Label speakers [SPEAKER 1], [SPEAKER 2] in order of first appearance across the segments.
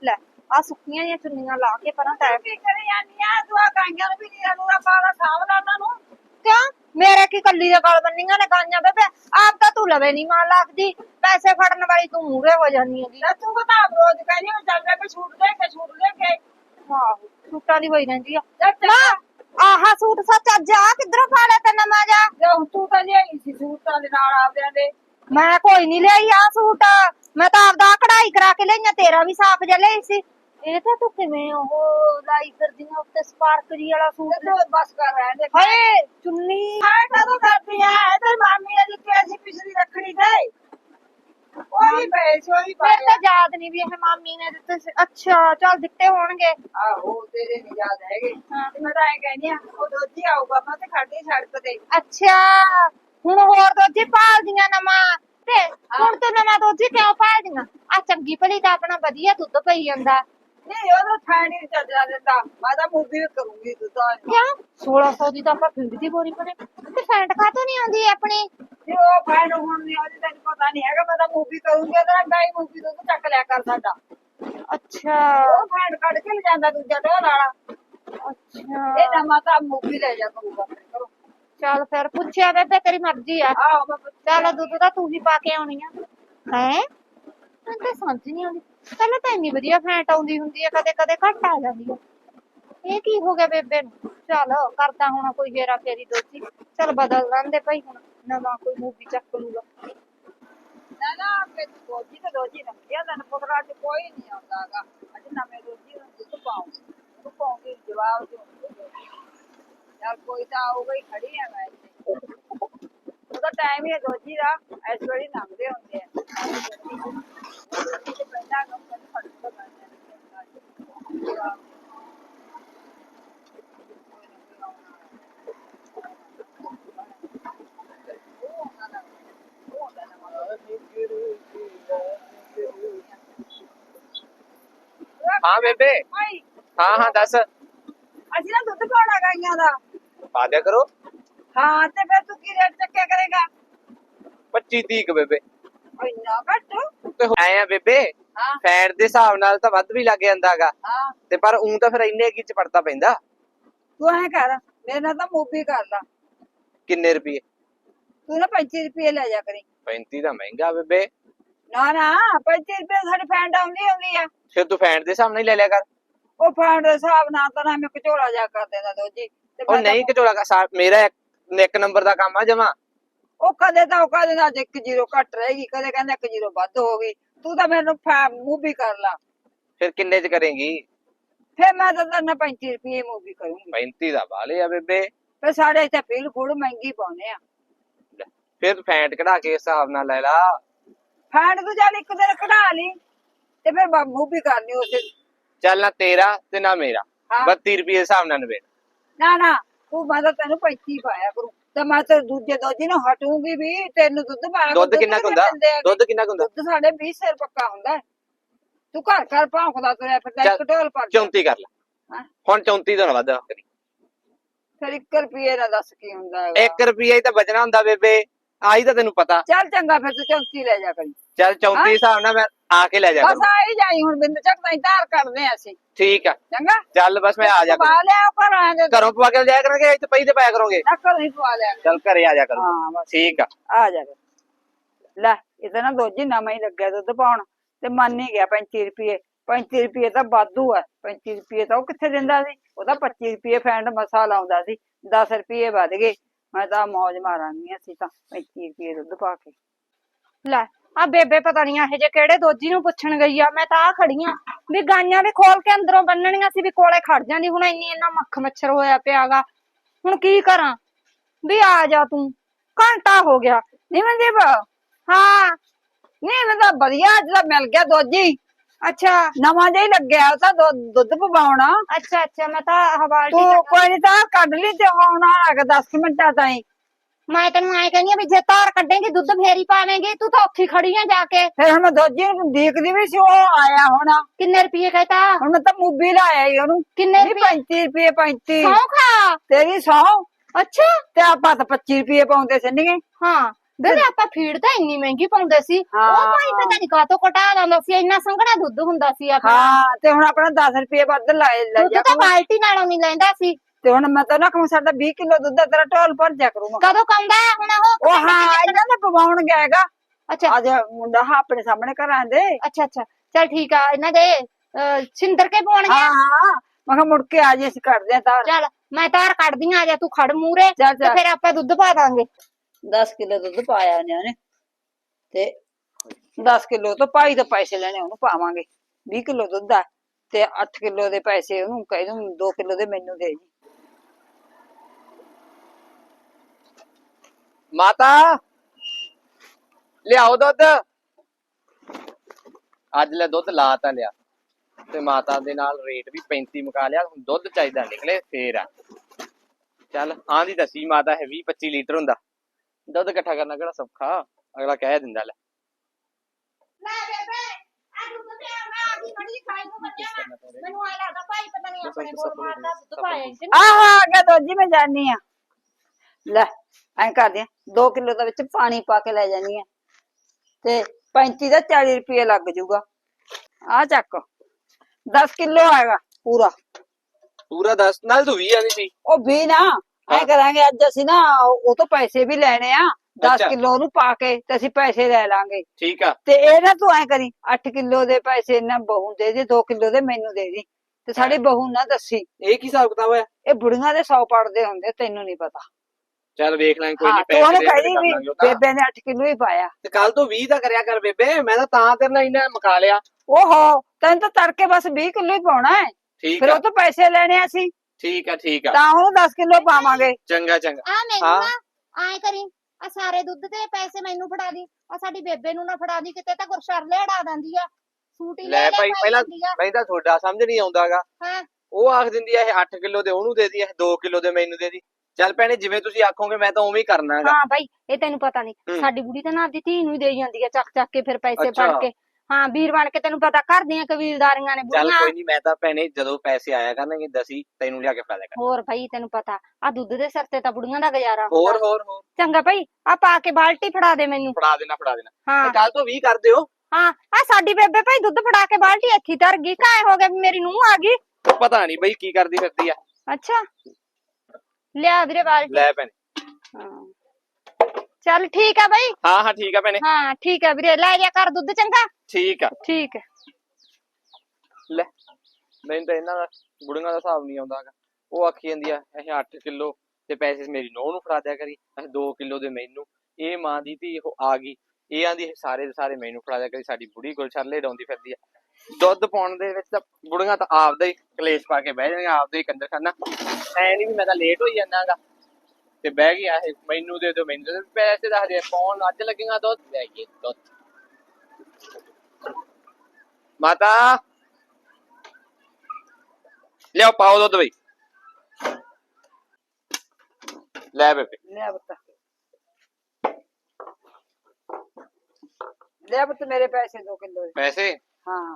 [SPEAKER 1] ਲੈ ਆ ਸੁੱਕੀਆਂ ਜਿਹੀਆਂ ਚੁੰਨੀਆਂ ਲਾ ਕੇ ਪਰਾਂ ਤੈ
[SPEAKER 2] ਕੀ ਕਰੀ ਜਾਂਦੀ ਆ ਤੂੰ? ਆ ਗਾਈਆਂ ਨੂੰ ਵੀ ਨੀਰਾ ਨੂਰਾ ਪਾਲਾ ਸਾਂਭ ਲਾ ਉਹਨਾਂ ਨੂੰ।
[SPEAKER 1] ਕਿਉਂ ਮੇਰੇ ਕੀ ਕੱਲੀ ਦੇ ਗਲ ਬੰਨੀਆਂ ਨੇ ਗਾਈਆਂ ਬੇਬੇ ਆਪ ਤਾਂ ਤੂੰ ਲਵੇ ਨਹੀਂ ਮਾਂ ਲੱਗਦੀ ਪੈਸੇ ਫੜਨ ਵਾਲੀ ਤੂੰ ਮੂਹਰੇ ਹੋ ਜਾਂਦੀ ਹੈਗੀ।
[SPEAKER 2] ਲੈ ਤੂੰ ਤਾਂ ਆਪ ਰੋਜ਼ ਕਹਿੰਦੀ ਮੈਂ ਚੱਲ ਜਾ ਕੇ ਸੂਟ ਲੈ ਕੇ
[SPEAKER 1] ਆਹੋ ਸੂਟਾਂ ਦੀ ਹੋਈ ਰਹਿੰਦੀ ਆ
[SPEAKER 2] ਚੱਲ ਚੰਗਾ।
[SPEAKER 1] ਆਹਾ ਸੂਟ ਸੱਚ ਅੱਜ ਆ ਕਿੱਧਰੋਂ ਪਾ ਲਿਆ ਤੇ ਨਵਾਂ ਜਾ
[SPEAKER 2] ਜੇ ਤੂੰ ਤਾਂ ਲਿਆਈ ਸੀ ਸੂਟਾਂ ਦੇ ਨਾਲ ਆਪਦਿਆਂ ਦੇ।
[SPEAKER 1] ਮੈਂ ਕੋਈ ਨਹੀਂ ਲਿਆਈ ਆ ਸੂਟ ਮੈਂ ਤਾਂ ਆਪਦਾ ਕਢਾਈ ਕਰਾ ਕੇ ਲਈਆਂ ਤੇਰਾ ਵੀ ਸਾਫ ਜਿਹਾ ਲਈ ਸੀ ਇਹ ਤਾਂ ਤੂੰ ਕਿਵੇਂ ਉਹ ਲਾਈ ਕਰਦੀ ਆ ਉੱਤੇ ਸਪਾਰਕ ਜੀ ਵਾਲਾ ਸੂਟ
[SPEAKER 2] ਤੂੰ ਬਸ ਕਰ ਰਹਿਣ ਦੇ।
[SPEAKER 1] ਹਾਏ ਚੁੰਨੀ
[SPEAKER 2] ਹਾਂ ਕਦੋਂ ਕਰਦੀ ਆ ਤੇ ਮਾਮੀ ਨੇ ਦਿੱਤੀ ਸੀ ਪਿਛਲੀ ਰੱਖੜੀ ਤੇ। ਉਹੀ ਪਏ ਸੀ ਉਹੀ
[SPEAKER 1] ਮੇਰੇ
[SPEAKER 2] ਪਾਏ।
[SPEAKER 1] ਤਾਂ ਯਾਦ ਨਹੀਂ ਵੀ ਇਹ ਮਾਮੀ ਨੇ ਦਿੱਤੇ ਸੀ ਅੱਛਾ ਚੱਲ ਦਿੱਤੇ ਹੋਣਗੇ
[SPEAKER 2] ਆਹੋ ਤੇਰੇ ਨਹੀਂ ਯਾਦ ਹੈਗੇ। ਤੇ ਮੈਂ ਤਾਂ ਐ ਕਹਿੰਦੀ ਆ ਉਹ ਦੋਜੀ ਆਊਗਾ ਮੈਂ ਤੇ ਖੜਦੀ ਸੜਕ ਤੇ।
[SPEAKER 1] ਅੱਛਾ ਹੁਣ ਹੋਰ ਦੋਜੀ ਪਾਲਦੀਆਂ ਨਵਾਂ ਤੇ ਹੁਣ ਤੂੰ ਨਵਾਂ ਦੋਜੀ ਕਿਉਂ ਪਾਲਦੀਆਂ ਆ ਚੰਗੀ ਭਲੀ ਤਾਂ ਆਪਣਾ ਵਧੀਆ ਦੁੱਧ ਪਈ ਜਾਂਦਾ
[SPEAKER 2] ਨਹੀਂ ਉਹਨੂੰ ਫੈਨ ਹੀ ਚੱਜਾ ਦਿੰਦਾ। ਮੈਂ ਤਾਂ ਮੂਵੀ ਵੀ ਕਰੂੰਗੀ ਤੂੰ ਤਾਂ।
[SPEAKER 1] ਕਿਉਂ 1600 ਦੀ ਤਾਂ ਆਪਾਂ ਫਿੰਡ ਦੀ ਬੋਰੀ ਬਣੇ ਤੇ ਫੈਂਟ ਖਾਤੋਂ ਨਹੀਂ ਆਉਂਦੀ ਆਪਣੀ
[SPEAKER 2] ਤੇ ਉਹ ਫੈਨ ਹੁਣ ਨਹੀਂ ਆਉਂਦੀ ਤੈਨੂੰ ਪਤਾ ਨਹੀਂ ਹੈਗਾ। ਮੈਂ ਤਾਂ ਮੂਵੀ ਕਰੂੰਗੀ ਉਹਦੇ ਨਾਲ ਗਾਈ ਮੂਵੀ ਤੋਂ ਚੱਕ ਲਿਆ ਕਰ ਸਾਡਾ।
[SPEAKER 1] ਅੱਛਾ
[SPEAKER 2] ਉਹ ਫੈਨ ਕੱਢ ਕੇ ਲੈ ਜਾਂਦਾ ਦੂਜਾ ਢੋਲ ਵਾਲਾ।
[SPEAKER 1] ਅੱਛਾ
[SPEAKER 2] ਇਹ ਤਾਂ ਮੈਂ ਤਾਂ ਮੂਵੀ ਲੈ ਜਾ ਕਰੂੰਗਾ ਆਪਣੇ ਘਰੋਂ।
[SPEAKER 1] ਚੱਲ ਫਿਰ ਪੁੱਛਿਆ ਬੇਬੇ ਤੇਰੀ ਮਰਜ਼ੀ ਆ
[SPEAKER 2] ਆਹੋ ਮੈਂ
[SPEAKER 1] ਚੱਲ ਦੁੱਧ ਤਾਂ ਤੂੰ ਹੀ ਪਾ ਕੇ ਆਉਣੀ ਆ ਹੈ ਮੈਨੂੰ ਤਾਂ ਸਮਝ ਨਹੀਂ ਆਉਂਦੀ ਪਹਿਲਾਂ ਤਾਂ ਇੰਨੀ ਵਧੀਆ ਫੈਂਟ ਆਉਂਦੀ ਹੁੰਦੀ ਆ ਕਦੇ ਕਦੇ ਘੱਟ ਆ ਜਾਂਦੀ ਆ ਇਹ ਕੀ ਹੋ ਗਿਆ ਬੇਬੇ ਨੂੰ ਚੱਲ ਕਰਦਾ ਹੁਣ ਕੋਈ ਹੇਰਾ ਫੇਰੀ ਦੋਜੀ ਚੱਲ ਬਦਲ ਲੈਂਦੇ ਭਾਈ ਹੁਣ ਨਵਾਂ ਕੋਈ ਮੂਵੀ ਚੱਕ ਲੂਗਾ
[SPEAKER 2] ਨਾ ਨਾ ਕਿ ਦੋਜੀ ਤੇ ਦੋਜੀ ਨਾ ਇਹ ਤਾਂ ਪੁੱਤਰਾ ਤੇ ਕੋਈ ਨਹੀਂ ਆਉਂਦਾਗਾ। ਅੱਜ ਨਵੇਂ ਦੋਜੀ ਨੂੰ ਦੁੱਧ ਪਾਉਂਗੀ ਤੂੰ ਪਾਉਂਗੀ ਜਵਾਬ ਦਿਓ ਯਾਰ ਕੋਈ ਤਾਂ ਆਊਗਾ ਹੀ ਖੜੀ ਆ ਮੈਂ ਇੱਥੇ। ਉਹਦਾ ਟਾਈਮ ਹੀ ਹੈ ਦੋਜੀ ਦਾ ਇਸ ਵੇਲੇ ਲੰਘਦੇ ਹੁੰਦੇ ਆ। ਪਹਿਲਾਂ ਕੰਮ ਕਰ ਫੜ ਕੇ ਕਰਨਾ
[SPEAKER 3] हाँ बेबे
[SPEAKER 2] ਭਾਈ।
[SPEAKER 3] हाँ हाँ दस
[SPEAKER 2] ਅਸੀਂ ਨਾ ਦੁੱਧ ਪਾਉਣਾ ਗਾਈਆਂ ਦਾ।
[SPEAKER 3] पा दिया करो
[SPEAKER 2] ਹਾਂ ਤੇ ਫਿਰ ਤੂੰ ਕੀ ਰੇਟ ਚੱਕਿਆ ਕਰੇਗਾ?
[SPEAKER 3] 25 30 ਬੇਬੇ
[SPEAKER 2] ਇੰਨਾ ਘੱਟ?
[SPEAKER 3] ਤੇ ਆਏ ਆ ਬੇਬੇ
[SPEAKER 2] ਹਾਂ
[SPEAKER 3] ਫੈਟ ਦੇ ਹਿਸਾਬ ਨਾਲ ਤਾਂ ਵੱਧ ਵੀ ਲੱਗ ਜਾਂਦਾਗਾ
[SPEAKER 2] ਹਾਂ
[SPEAKER 3] ਤੇ ਪਰ ਉਂ ਤਾਂ ਫਿਰ ਇੰਨੇ ਕੀ ਚ ਪੜਤਾ ਪੈਂਦਾ।
[SPEAKER 2] ਤੂੰ ਐ ਕਰ ਮੇਰੇ ਨਾਲ ਤਾਂ ਮੂਵੀ ਕਰ ਲਾ।
[SPEAKER 3] ਕਿੰਨੇ ਰੁਪਏ?
[SPEAKER 2] ਤੂੰ ਨਾ 35 ਰੁਪਏ ਲੈ ਜਾ ਕਰੀ।
[SPEAKER 3] 35 ਦਾ ਮਹਿੰਗਾ ਬੇਬੇ।
[SPEAKER 2] ਨਾ ਨਾ 35 ਰੁਪਏ ਸਾਡੀ ਫੈਂਟ ਆਉਂਦੀ ਆ।
[SPEAKER 3] ਫਿਰ ਤੂੰ ਫੈਟ ਦੇ ਹਿਸਾਬ ਨਾਲ ਹੀ ਲੈ ਲਿਆ ਕਰ।
[SPEAKER 2] ਉਹ ਫੈਂਟ ਦੇ ਹਿਸਾਬ ਨਾਲ ਤਾਂ ਨਾ ਮੈਂ ਕਚੋਲਾ ਜਾ ਕਰ ਦੇਣਾ ਦੋਜੀ ਤੇ
[SPEAKER 3] ਉਹ ਨਹੀਂ ਘਟੋਲਾ ਮੇਰਾ ਇੱਕ ਨੰਬਰ ਦਾ ਕੰਮ ਆ ਜਮਾ।
[SPEAKER 2] ਉਹ ਕਦੇ ਤਾਂ ਉਹ ਕਦੇ ਨਾ 1 0 ਘੱਟ ਰਹੇਗੀ ਕਦੇ ਕਹਿੰਦਾ 1 0 ਵੱਧ ਹੋ ਗਈ। ਤੂੰ ਤਾਂ ਮੈਨੂੰ ਮੂਵੀ ਕਰ ਲਾ।
[SPEAKER 3] ਫਿਰ ਕਿੰਨੇ ਚ ਕਰੇਂਗੀ?
[SPEAKER 2] ਫਿਰ ਮੈਂ ਤਾਂ ਤੈਨੂੰ 35 ਰੁਪਏ ਮੂਵੀ ਕਰੂੰਗੀ।
[SPEAKER 3] 35 ਦਾ ਵਾਲੇ ਆ ਬੇਬੇ।
[SPEAKER 2] ਫਿਰ ਸਾਡੇ ਇੱਥੇ ਫੀਲ ਫੂਡ ਮਹਿੰਗੀ ਪਾਉਨੇ ਆ।
[SPEAKER 3] ਫਿਰ ਤੂੰ ਫੈਟ ਕਢਾ ਕੇ ਇਸ ਹਿਸਾਬ ਨਾਲ ਲੈ ਲਾ।
[SPEAKER 2] ਫੈਂਟ ਤੂੰ ਚੱਲ ਇੱਕ ਦਿਨ ਕਢਾ ਲਈ ਤੇ ਫਿਰ ਮੂਵੀ ਕਰਨੀ ਉਸੇ।
[SPEAKER 3] ਚੱਲ ਨਾ ਤੇਰਾ ਤੇ ਨਾ ਮੇਰਾ
[SPEAKER 2] ਹਾਂ।
[SPEAKER 3] 32 ਰੁਪਏ ਹਿਸਾਬ ਨਾਲ ਨਵੇੜ।
[SPEAKER 2] ਨਾ ਨਾ ਤੂੰ ਮੈਂ ਤਾਂ ਤੈਨੂੰ 35 ਪਾਇਆ ਕਰੂ ਤੇ ਮੈਂ ਤੇ ਦੂਜੇ ਦੋਜੀ ਨੂੰ ਹਟੂਗੀ ਵੀ ਤੈਨੂੰ ਦੁੱਧ ਪਾਇਆ
[SPEAKER 3] ਦੁੱਧ ਕਿੰਨਾ ਕੁ ਹੁੰਦਾ? ਦੁੱਧ ਕਿੰਨਾ ਕੁ ਹੁੰਦਾ?
[SPEAKER 2] ਦੁੱਧ ਸਾਡੇ 20 ਸਿਰ ਪੱਕਾ ਹੁੰਦਾ। ਤੂੰ ਘਰ ਘਰ ਭੌਂਕਦਾ ਤੁਰਿਆ ਫਿਰਦਾ ਇੱਕ ਢੋਲ ਪਰ
[SPEAKER 3] 34 ਕਰ ਲੈ
[SPEAKER 2] ਹਾਂ।
[SPEAKER 3] ਹੁਣ 34 ਤੋਂ ਨਾ ਵੱਧ ਕਰੀ।
[SPEAKER 2] ਫਿਰ 1 ਰੁਪਏ ਦਾ ਦੱਸ ਕੀ ਹੁੰਦਾ ਹੈਗਾ।
[SPEAKER 3] 1 ਰੁਪਿਆ ਹੀ ਤਾਂ ਬਚਣਾ ਹੁੰਦਾ ਬੇਬੇ ਆਹੀ ਤਾਂ ਤੈਨੂੰ ਪਤਾ।
[SPEAKER 2] ਚੱਲ ਚੰਗਾ ਫਿਰ ਤੂੰ 34 ਲੈ ਜਾ ਕਰੀ।
[SPEAKER 3] ਚੱਲ 34 ਹਿਸਾਬ ਨਾਲ ਮੈਂ ਆ ਕੇ ਲੈ ਜਾ
[SPEAKER 2] ਬਸ
[SPEAKER 3] ਕਰੂੰ।
[SPEAKER 2] ਆ ਹੀ ਜਾਈ ਹੁਣ ਬਿੰਦ ਚੱਕ ਤਾਂ ਧਾਰ ਕੱਢਦੇ ਆ ਅਸੀਂ।
[SPEAKER 3] ਠੀਕ ਆ
[SPEAKER 2] ਚੰਗਾ
[SPEAKER 3] ਚੱਲ ਬਸ ਮੈਂ ਆ ਜਾ
[SPEAKER 2] ਪਵਾ
[SPEAKER 3] ਕਰੂੰ।
[SPEAKER 2] ਲਿਆ ਘਰ ਆਏ
[SPEAKER 3] ਘਰੋਂ ਪਵਾ ਕੇ ਲਿਆ ਕਰਾਂਗੇ ਇੱਥੇ ਪਈ ਤੇ ਪਾਇਆ ਕਰੋਗੇ।
[SPEAKER 2] ਨਾ ਘਰੋਂ ਹੀ ਪਵਾ ਲਿਆ
[SPEAKER 3] ਚੱਲ ਘਰੇ ਆ ਜਾ ਕਰੂੰ।
[SPEAKER 2] ਹਾਂ ਬਸ
[SPEAKER 3] ਠੀਕ ਆ
[SPEAKER 2] ਆ ਜਾ ਫਿਰ। ਲੈ ਇਹ ਤਾਂ ਨਾ ਦੋਜੀ ਨਵਾਂ ਹੀ ਲੱਗਿਆ ਦੁੱਧ ਪਾਉਣ ਤੇ ਮੰਨ ਹੀ ਗਿਆ 35 ਰੁਪਏ। 35 ਰੁਪਏ ਤਾਂ ਵਾਧੂ ਆ। 35 ਰੁਪਏ ਤਾਂ ਉਹ ਕਿੱਥੇ ਦਿੰਦਾ ਸੀ? ਉਹ ਤਾਂ 25 ਰੁਪਏ ਫੈਂਡ ਮਸਾ ਲਾਉਂਦਾ ਸੀ। 10 ਰੁਪਏ ਵੱਧ ਗਏ। ਮੈਂ ਤਾਂ ਮੌਜ ਮਾਰਾਂਗੀ ਅਸੀਂ ਤਾਂ 35 ਰੁਪਏ ਦੁੱਧ ਪਾ ਕੇ।
[SPEAKER 1] ਲੈ ਆ ਬੇਬੇ ਪਤਾ ਨਹੀਂ ਇਹ ਜੇ ਕਿਹੜੇ ਦੋਜੀ ਨੂੰ ਪੁੱਛਣ ਗਈ ਆ ਮੈਂ ਤਾਂ ਆ ਖੜੀ ਆ ਵੀ ਗਾਈਆਂ ਵੀ ਖੋਲ ਕੇ ਅੰਦਰੋਂ ਬੰਨਣੀਆਂ ਸੀ ਵੀ ਕੋਲੇ ਖੜ ਜਾਂਦੀ ਹੁਣ ਇੰਨਾ ਮੱਖ ਮੱਛਰ ਹੋਇਆ ਪਿਆਗਾ ਹੁਣ ਕੀ ਕਰਾਂ ਵੀ ਆ ਜਾ ਤੂੰ ਘੰਟਾ ਹੋ ਗਿਆ।
[SPEAKER 2] ਨਹੀਂ ਮਨਦੀਪ
[SPEAKER 1] ਹਾਂ
[SPEAKER 2] ਨਹੀਂ ਮੈਂ ਤਾਂ ਵਧੀਆ ਅੱਜ ਤਾਂ ਮਿਲ ਗਿਆ ਦੋਜੀ।
[SPEAKER 1] ਅੱਛਾ
[SPEAKER 2] ਨਵਾਂ ਜਿਹਾ ਹੀ ਲੱਗਿਆ ਉਹ ਤਾਂ ਦੁੱਧ ਪਵਾਉਣਾ।
[SPEAKER 1] ਅੱਛਾ ਅੱਛਾ ਮੈਂ ਤਾਂ ਹਵਾਲਟੀ
[SPEAKER 2] ਤੂੰ ਕੋਈ ਨੀ ਤਾਂ ਕੱਢ ਲਈ ਤੇ ਆਉਣਾ ਹੈਗਾ 10 ਮਿੰਟਾਂ ਤਾਈਂ।
[SPEAKER 1] ਮੈਂ ਤੈਨੂੰ ਐ ਕਹਿੰਦੀ ਆ ਵੀ ਜੇ ਧਾਰ ਕੱਢੇਂਗੀ ਦੁੱਧ ਫੇਰ ਹੀ ਪਾਵੇਂਗੀ ਤੂੰ ਤਾਂ ਉੱਥੇ ਖੜੀ ਆ ਜਾ ਕੇ।
[SPEAKER 2] ਫਿਰ ਹੁਣ ਮੈਂ ਦੋਜੀ ਨੂੰ ਦੇਖਦੀ ਵੀ ਸੀ ਉਹ ਆਇਆ ਹੋਣਾ।
[SPEAKER 1] ਕਿੰਨੇ ਰੁਪਏ ਕਹਤਾ?
[SPEAKER 2] ਹੁਣ ਮੈਂ ਤਾਂ ਮੂਵੀ ਲਾਇਆ ਈ ਉਹਨੂੰ।
[SPEAKER 1] ਕਿੰਨੇ
[SPEAKER 2] ਨਹੀਂ
[SPEAKER 1] ਰੁਪਏ?
[SPEAKER 2] 35 ਰੁਪਏ 35
[SPEAKER 1] ਸੌ ਖਾ।
[SPEAKER 2] ਤੇਰੀ 100
[SPEAKER 1] ਅੱਛਾ
[SPEAKER 2] ਤੇ ਆਪਾਂ ਤਾਂ 25 ਰੁਪਏ ਪਾਉਂਦੇ ਸਿੰਨੀਏ।
[SPEAKER 1] ਹਾਂ ਬੇਬੇ ਆਪਾਂ ਫੀਡ ਤਾਂ ਇੰਨੀ ਮਹਿੰਗੀ ਪਾਉਂਦੇ ਸੀ
[SPEAKER 2] ਹਾਂ।
[SPEAKER 1] ਉਹ ਭਾਈ ਪਤਾ ਨਹੀਂ ਕਾਹਤੋਂ ਘਟਾ ਦਿੰਦਾ ਸੀ ਇੰਨਾ ਸੰਘਣਾ ਦੁੱਧ ਹੁੰਦਾ ਸੀ ਆਪਣਾ
[SPEAKER 2] ਹਾਂ ਤੇ ਹੁਣ ਆਪਣਾ 10 ਰੁਪਏ ਵੱਧ ਲੈ
[SPEAKER 1] ਦੁੱਧ
[SPEAKER 2] ਜਾ
[SPEAKER 1] ਤਾਂ ਬਾਲਟੀ ਨਾਲੋਂ ਨਹੀਂ ਲੈਂਦਾ ਸੀ
[SPEAKER 2] ਤੇ ਹੁਣ ਮੈਂ ਤਾਂ ਨਾ ਕਹੂੰ ਸਾਡਾ 20 ਕਿਲੋ ਦੁੱਧ ਦਾ ਤੇਰਾ ਢੋਲ ਭਰ ਜਾ ਕਰੂੰਗਾ।
[SPEAKER 1] ਕਦੋਂ ਕੰਦਾ ਹੁਣ
[SPEAKER 2] ਉਹ ਹਾਂ ਇਹਨਾਂ ਨੇ ਪਵਾਉਣ ਗਿਆਗਾ।
[SPEAKER 1] ਅੱਛਾ
[SPEAKER 2] ਅੱਜ ਮੁੰਡਾ ਆਪਣੇ ਸਾਹਮਣੇ ਘਰਾਂ ਦੇ।
[SPEAKER 1] ਅੱਛਾ ਅੱਛਾ ਚੱਲ ਠੀਕ ਆ ਇਹਨਾਂ ਦੇ ਸਿੰਦਰ ਕੇ ਪਾਉਣਗੇ
[SPEAKER 2] ਹਾਂ ਹਾਂ ਮੈਂ ਕਿਹਾ ਮੁੜ ਕੇ ਆ ਜੇ ਅਸੀਂ ਕੱਢਦੇ ਆ ਤਾਰ।
[SPEAKER 1] ਚੱਲ ਮੈਂ ਤਾਰ ਕੱਢਦੀ ਆ ਜਾ ਤੂੰ ਖੜ ਮੂਰੇ
[SPEAKER 2] ਚੱਲ
[SPEAKER 1] ਤੇ
[SPEAKER 2] ਚੱਲ
[SPEAKER 1] ਫਿਰ ਆਪਾਂ ਦੁੱਧ ਪਾ ਦਾਂਗੇ
[SPEAKER 2] 10 ਕਿਲੋ ਦੁੱਧ ਪਾਇਆ ਉਹਨੇ ਤੇ 10 ਕਿਲੋ ਤੋਂ ਭਾਈ ਤੋਂ ਪੈਸੇ ਲੈਣੇ ਉਹਨੂੰ ਪਾਵਾਂਗੇ 20 ਕਿਲੋ ਦੁੱਧ ਆ ਤੇ 8 ਕਿਲੋ ਦੇ ਪੈਸੇ ਉਹਨੂੰ ਕਹਿ ਦੂੰ 2 ਕਿਲੋ ਦੇ ਮੈਨੂੰ ਦੇ ਜੀ।
[SPEAKER 3] ਮਾਤਾ ਲਿਆਓ ਦੁੱਧ। ਅੱਜ ਲੈ ਦੁੱਧ ਲਾ ਤਾਂ ਲਿਆ ਤੇ ਮਾਤਾ ਦੇ ਨਾਲ ਰੇਟ ਵੀ 35 ਮੁਕਾ ਲਿਆ। ਹੁਣ ਦੁੱਧ ਚਾਹੀਦਾ ਨਿਕਲੇ ਫੇਰ ਆ। ਚੱਲ ਆਂਦੀ ਦੱਸੀ ਮਾਤਾ ਹੈ 20-25 ਲੀਟਰ ਹੁੰਦਾ ਦੁੱਧ ਇਕੱਠਾ ਕਰਨਾ ਕਿਹੜਾ ਸੌਖਾ। ਅਗਲਾ ਕਹਿ ਦਿੰਦਾ ਲੈ
[SPEAKER 1] ਲੈ ਬੇਬੇ ਆ ਦੁੱਧ ਤੇ ਮੈਂ ਆ ਗਈ ਬੜੀ ਖਾਈ ਨੂੰ ਬੱਚਿਆ ਮੈਨੂੰ ਆ ਲੱਗਦਾ ਭਾਈ ਪਤਾ ਨਹੀਂ ਆਪਣੇ ਕੋਲ ਮਾਰਦਾ ਦੁੱਧ ਪਾਇਆ ਕਿ
[SPEAKER 2] ਆਹੋ ਆ ਗਿਆ ਦੋਜੀ ਮੈਂ ਜਾਣੀ ਆ। ਲੈ ਐਂ ਕਰਦੇ ਆ 2 ਕਿਲੋ ਦੇ ਵਿੱਚ ਪਾਣੀ ਪਾ ਕੇ ਲੈ ਜਾਨੀ ਆ ਤੇ 35 ਦਾ 40 ਰੁਪਏ ਲੱਗ ਜਾਊਗਾ। ਆ ਚੱਕ 10 ਕਿਲੋ ਆਏਗਾ ਪੂਰਾ
[SPEAKER 3] ਪੂਰਾ 10 ਨਾਲ ਤੂੰ 20 ਆਣੀ ਸੀ।
[SPEAKER 2] ਉਹ ਵੀ ਨਾ ਐ ਕਰਾਂਗੇ ਅੱਜ ਅਸੀਂ ਨਾ ਉਹ ਤੋਂ ਪੈਸੇ ਵੀ ਲੈਣੇ ਆ 10
[SPEAKER 3] ਅੱਛਾ।
[SPEAKER 2] ਕਿਲੋ ਉਹਨੂੰ ਪਾ ਕੇ ਤੇ ਅਸੀਂ ਪੈਸੇ ਲੈ ਲਾਂਗੇ
[SPEAKER 3] ਠੀਕ ਆ
[SPEAKER 2] ਤੇ ਇਹ ਨਾ ਤੂੰ ਐ ਕਰੀ 8 ਕਿਲੋ ਦੇ ਪੈਸੇ ਇਹਨਾਂ ਬਹੂ ਦੇ ਦੇ 2 ਕਿਲੋ ਦੇ ਮੈਨੂੰ ਦੇ ਦੀ ਤੇ ਸਾਡੀ ਬਹੂ ਨਾ ਦੱਸੀ
[SPEAKER 3] ਇਹ ਕੀ ਹਿਸਾਬ ਕਿਤਾਬ ਹੋਇਆ।
[SPEAKER 2] ਇਹ ਬੁੜੀਆਂ ਦੇ 100 ਪੜਦੇ ਹੁੰਦੇ ਤੈਨੂੰ ਨਹੀਂ ਪਤਾ।
[SPEAKER 3] ਚੱਲ ਵੇਖ ਲਾਂਗੇ ਕੋਈ
[SPEAKER 2] ਹਾਂ
[SPEAKER 3] ਨਹੀਂ
[SPEAKER 2] ਤੂੰ
[SPEAKER 3] ਪੈਸੇ
[SPEAKER 2] ਉਹਨੂੰ
[SPEAKER 3] ਦੇ
[SPEAKER 2] ਕਹਿ
[SPEAKER 3] ਕੇ
[SPEAKER 2] ਦੀ
[SPEAKER 3] ਕਰ
[SPEAKER 2] ਵੀ
[SPEAKER 3] ਲਾਂਗੇ ਉਹ ਤਾਂ।
[SPEAKER 2] ਬੇਬੇ ਨੇ 8 ਕਿਲੋ ਹੀ ਪਾਇਆ।
[SPEAKER 3] ਤੇ ਕੱਲ ਤੋਂ 20 ਦਾ ਕਰਿਆ ਕਰ ਬੇਬੇ ਮੈਂ ਤਾਂ ਤੇਰੇ ਨਾਲ ਇਹਨਾਂ ਮੁਕਾ ਲਿਆ।
[SPEAKER 2] ਓਹੋ ਤੈਨੂੰ ਤਾਂ ਤੜਕੇ ਬਸ 20 ਕਿਲੋ ਹੀ ਪਾਉਣਾ ਹੈ
[SPEAKER 3] ਠੀਕ
[SPEAKER 2] ਫਿਰ
[SPEAKER 3] ਆ
[SPEAKER 2] ਉਹ ਤੋਂ ਪੈਸੇ ਲੈਣੇ ਆ ਅਸੀਂ
[SPEAKER 3] ਠੀਕ ਆ ਠੀਕ ਆ
[SPEAKER 2] ਤਾਂ ਉਹਨੂੰ 10 ਕਿਲੋ ਪਾਵਾਂਗੇ।
[SPEAKER 3] ਚੰਗਾ ਚੰਗਾ
[SPEAKER 1] ਆ ਮੈਨੂੰ
[SPEAKER 3] ਹਾਂ।
[SPEAKER 1] ਨਾ ਆਏ ਕਰੀ ਆ ਸਾਰੇ ਦੁੱਧ ਦੇ ਪੈਸੇ ਮੈਨੂੰ ਫੜਾ ਦੀ ਆ ਸਾਡੀ ਬੇਬੇ ਨੂੰ ਨਾ ਫੜਾ ਦੀ ਕਿਤੇ ਤਾਂ ਗੁਰਸ਼ਰ ਲੜਾ ਦਿੰਦੀ ਆ ਸੂਟ ਹੀ
[SPEAKER 3] ਲੈ ਭਾਈ ਪਹਿਲਾਂ
[SPEAKER 1] ਦਿੰਦੀ ਆ।
[SPEAKER 3] ਤਾਂ ਤੁਹਾਡਾ ਸਮਝ ਨਹੀਂ ਆਉਂਦਾਗਾ।
[SPEAKER 1] ਹਾਂ
[SPEAKER 3] ਉਹ ਆਖ ਦਿੰਦੀ ਆ ਇਹ 8 ਕਿਲੋ ਦੇ ਉਹਨੂੰ ਦੇ ਦੀ ਇਹ 2 ਕਿਲੋ ਦੇ ਮੈਨੂੰ ਦੇ ਦੀ। ਚੱਲ ਭੈਣੇ ਜਿਵੇਂ ਤੁਸੀਂ ਆਖੋਗੇ ਮੈਂ ਤਾਂ ਉਵੇਂ ਹੀ ਕਰਨਾਗਾ।
[SPEAKER 1] ਹਾਂ ਬਾਈ ਇਹ ਤੈਨੂੰ ਪਤਾ ਨਹੀਂ
[SPEAKER 3] ਹੂੰ।
[SPEAKER 1] ਸਾਡੀ ਬੁੜੀ ਤਾਂ ਨਾ ਆਪਦੀ ਧੀ ਨੂੰ ਹੀ ਦੇਈ ਜਾਂਦੀ ਆ ਚੱਕ ਚੱਕ ਕੇ ਫਿਰ ਪੈਸੇ
[SPEAKER 3] ਅੱਛਾ।
[SPEAKER 1] ਫੜ ਕੇ ਹਾਂ ਵੀਰ ਬਣ ਕੇ ਤੈਨੂੰ ਪਤਾ ਕਰਦੀਆਂ ਕਬੀਲਦਾਰੀਆਂ ਨੇ
[SPEAKER 3] ਚੱਲ
[SPEAKER 1] ਬੁੜੀਆਂ
[SPEAKER 3] ਕੋਈ ਨਹੀਂ ਮੈਂ ਤਾਂ ਭੈਣੇ ਜਦੋਂ ਪੈਸੇ ਆਇਆ ਕਰਨਗੇ ਦਸੀ ਤੈਨੂੰ ਲਿਆ ਕੇ ਫੜਾ ਦੇਗਾ।
[SPEAKER 1] ਹੋਰ ਭਾਈ ਤੈਨੂੰ ਪਤਾ ਆ ਦੁੱਧ ਦੇ ਸਿਰ ਤੇ ਤਾਂ ਬੁੜੀਆਂ ਦਾ ਗੁਜ਼ਾਰਾ
[SPEAKER 3] ਹੋਰ
[SPEAKER 1] ਹੁੰਦਾ।
[SPEAKER 3] ਹੋਰ ਹੋਰ
[SPEAKER 1] ਚੰਗਾ ਭਾਈ ਆ ਪਾ ਕੇ ਬਾਲਟੀ ਫੜਾ ਦੇ ਮੈਨੂੰ
[SPEAKER 3] ਫੜਾ ਦੇਣਾ ਫੜਾ ਦੇਣਾ।
[SPEAKER 1] ਹਾਂ
[SPEAKER 3] ਤੇ ਕੱਲ ਤੋਂ 20 ਕਰ ਦਿਓ।
[SPEAKER 1] ਹਾਂ ਆ ਸਾਡੀ ਬੇਬੇ ਭਾਈ ਦੁੱਧ ਫੜਾ ਕੇ ਬਾਲਟੀ ਇੱਥੇ ਧਰ ਗਈ ਕਾਹ ਹੋ ਗਿਆ ਵੀ ਮੇਰੀ ਨੂੰਹ ਆ ਗਈ
[SPEAKER 3] ਪਤਾ ਨਹੀਂ ਬਈ ਕੀ ਕਰਦੀ ਫਿਰਦੀ ਆ।
[SPEAKER 1] ਅੱਛਾ ਲਿਆ ਵੀਰੇ ਬਾਲਟੀ
[SPEAKER 3] ਲੈ ਭੈਣੇ
[SPEAKER 1] ਹਾਂ ਚੱਲ ਠੀਕ ਆ ਬਾਈ
[SPEAKER 3] ਹਾਂ ਹਾਂ ਠੀਕ ਆ ਭੈਣੇ
[SPEAKER 1] ਹਾਂ ਠੀਕ ਆ ਵੀਰੇ ਲੈ ਜਾ ਕਰ ਦੁੱਧ ਚੰਗਾ
[SPEAKER 3] ਠੀਕ ਆ।
[SPEAKER 1] ਠੀਕ ਹੈ
[SPEAKER 3] ਲੈ ਮੈਨੂੰ ਤਾਂ ਇਹਨਾਂ ਦਾ ਬੁੜੀਆਂ ਦਾ ਹਿਸਾਬ ਨਹੀਂ ਆਉਂਦਾਗਾ। ਉਹ ਆਖੀ ਜਾਂਦੀ ਆ ਇਹ 8 ਕਿਲੋ ਤੇ ਪੈਸੇ ਮੇਰੀ ਨੂੰਹ ਨੂੰ ਫੜਾ ਦਿਆ ਕਰੀ ਇਹ 2 ਕਿਲੋ ਦੇ ਮੈਨੂੰ। ਇਹ ਮਾਂ ਦੀ ਧੀ ਉਹ ਆ ਗਈ ਇਹ ਆਂਦੀ ਇਹ ਸਾਰੇ ਦੇ ਸਾਰੇ ਮੈਨੂੰ ਫੜਾ ਦਿਆ ਕਰੀ। ਸਾਡੀ ਬੁੜੀ ਕੋਲ ਛਰਲੇ ਡਾਉਂਦੀ ਫਿਰਦੀ ਆ। ਦੁੱਧ ਪਾਉਣ ਦੇ ਵਿੱਚ ਤਾਂ ਬੁੜੀਆਂ ਤਾਂ ਆਪਦਾ ਹੀ ਕਲੇਸ਼ ਪਾ ਕੇ ਬਹਿ ਜਾਂਦੀਆਂ ਆਪਦਾ ਹੀ ਕੰਜਰਖਾਨਾ। ਐ ਨਹੀਂ ਵੀ ਮੈਂ ਤਾਂ ਲੇਟ ਹੋਈ ਜਾਂਦਾਗਾ ਤੇ ਬਹਿ ਗਿਆ ਇਹ ਮੈਨੂੰ ਦੇ ਦਿਓ ਮੈਨੂੰ ਦੇ ਦਿਓ। ਪੈਸੇ ਦੱਸਦੇ ਪਾਉਣ ਅੱਜ ਲੱਗੇਗਾ ਦੁੱਧ ਲੈ ਗਏ ਦੁੱਧ। ਮਾਤਾ ਲਿਆਓ ਪਾਓ ਦੁੱਧ ਬਈ। ਲੈ ਬੇਬੇ
[SPEAKER 2] ਲੈ ਪੁੱਤ ਲੈ ਪੁੱਤ ਮੇਰੇ ਪੈਸੇ 2 ਕਿਲੋ ਦੇ।
[SPEAKER 3] ਪੈਸੇ
[SPEAKER 2] ਹਾਂ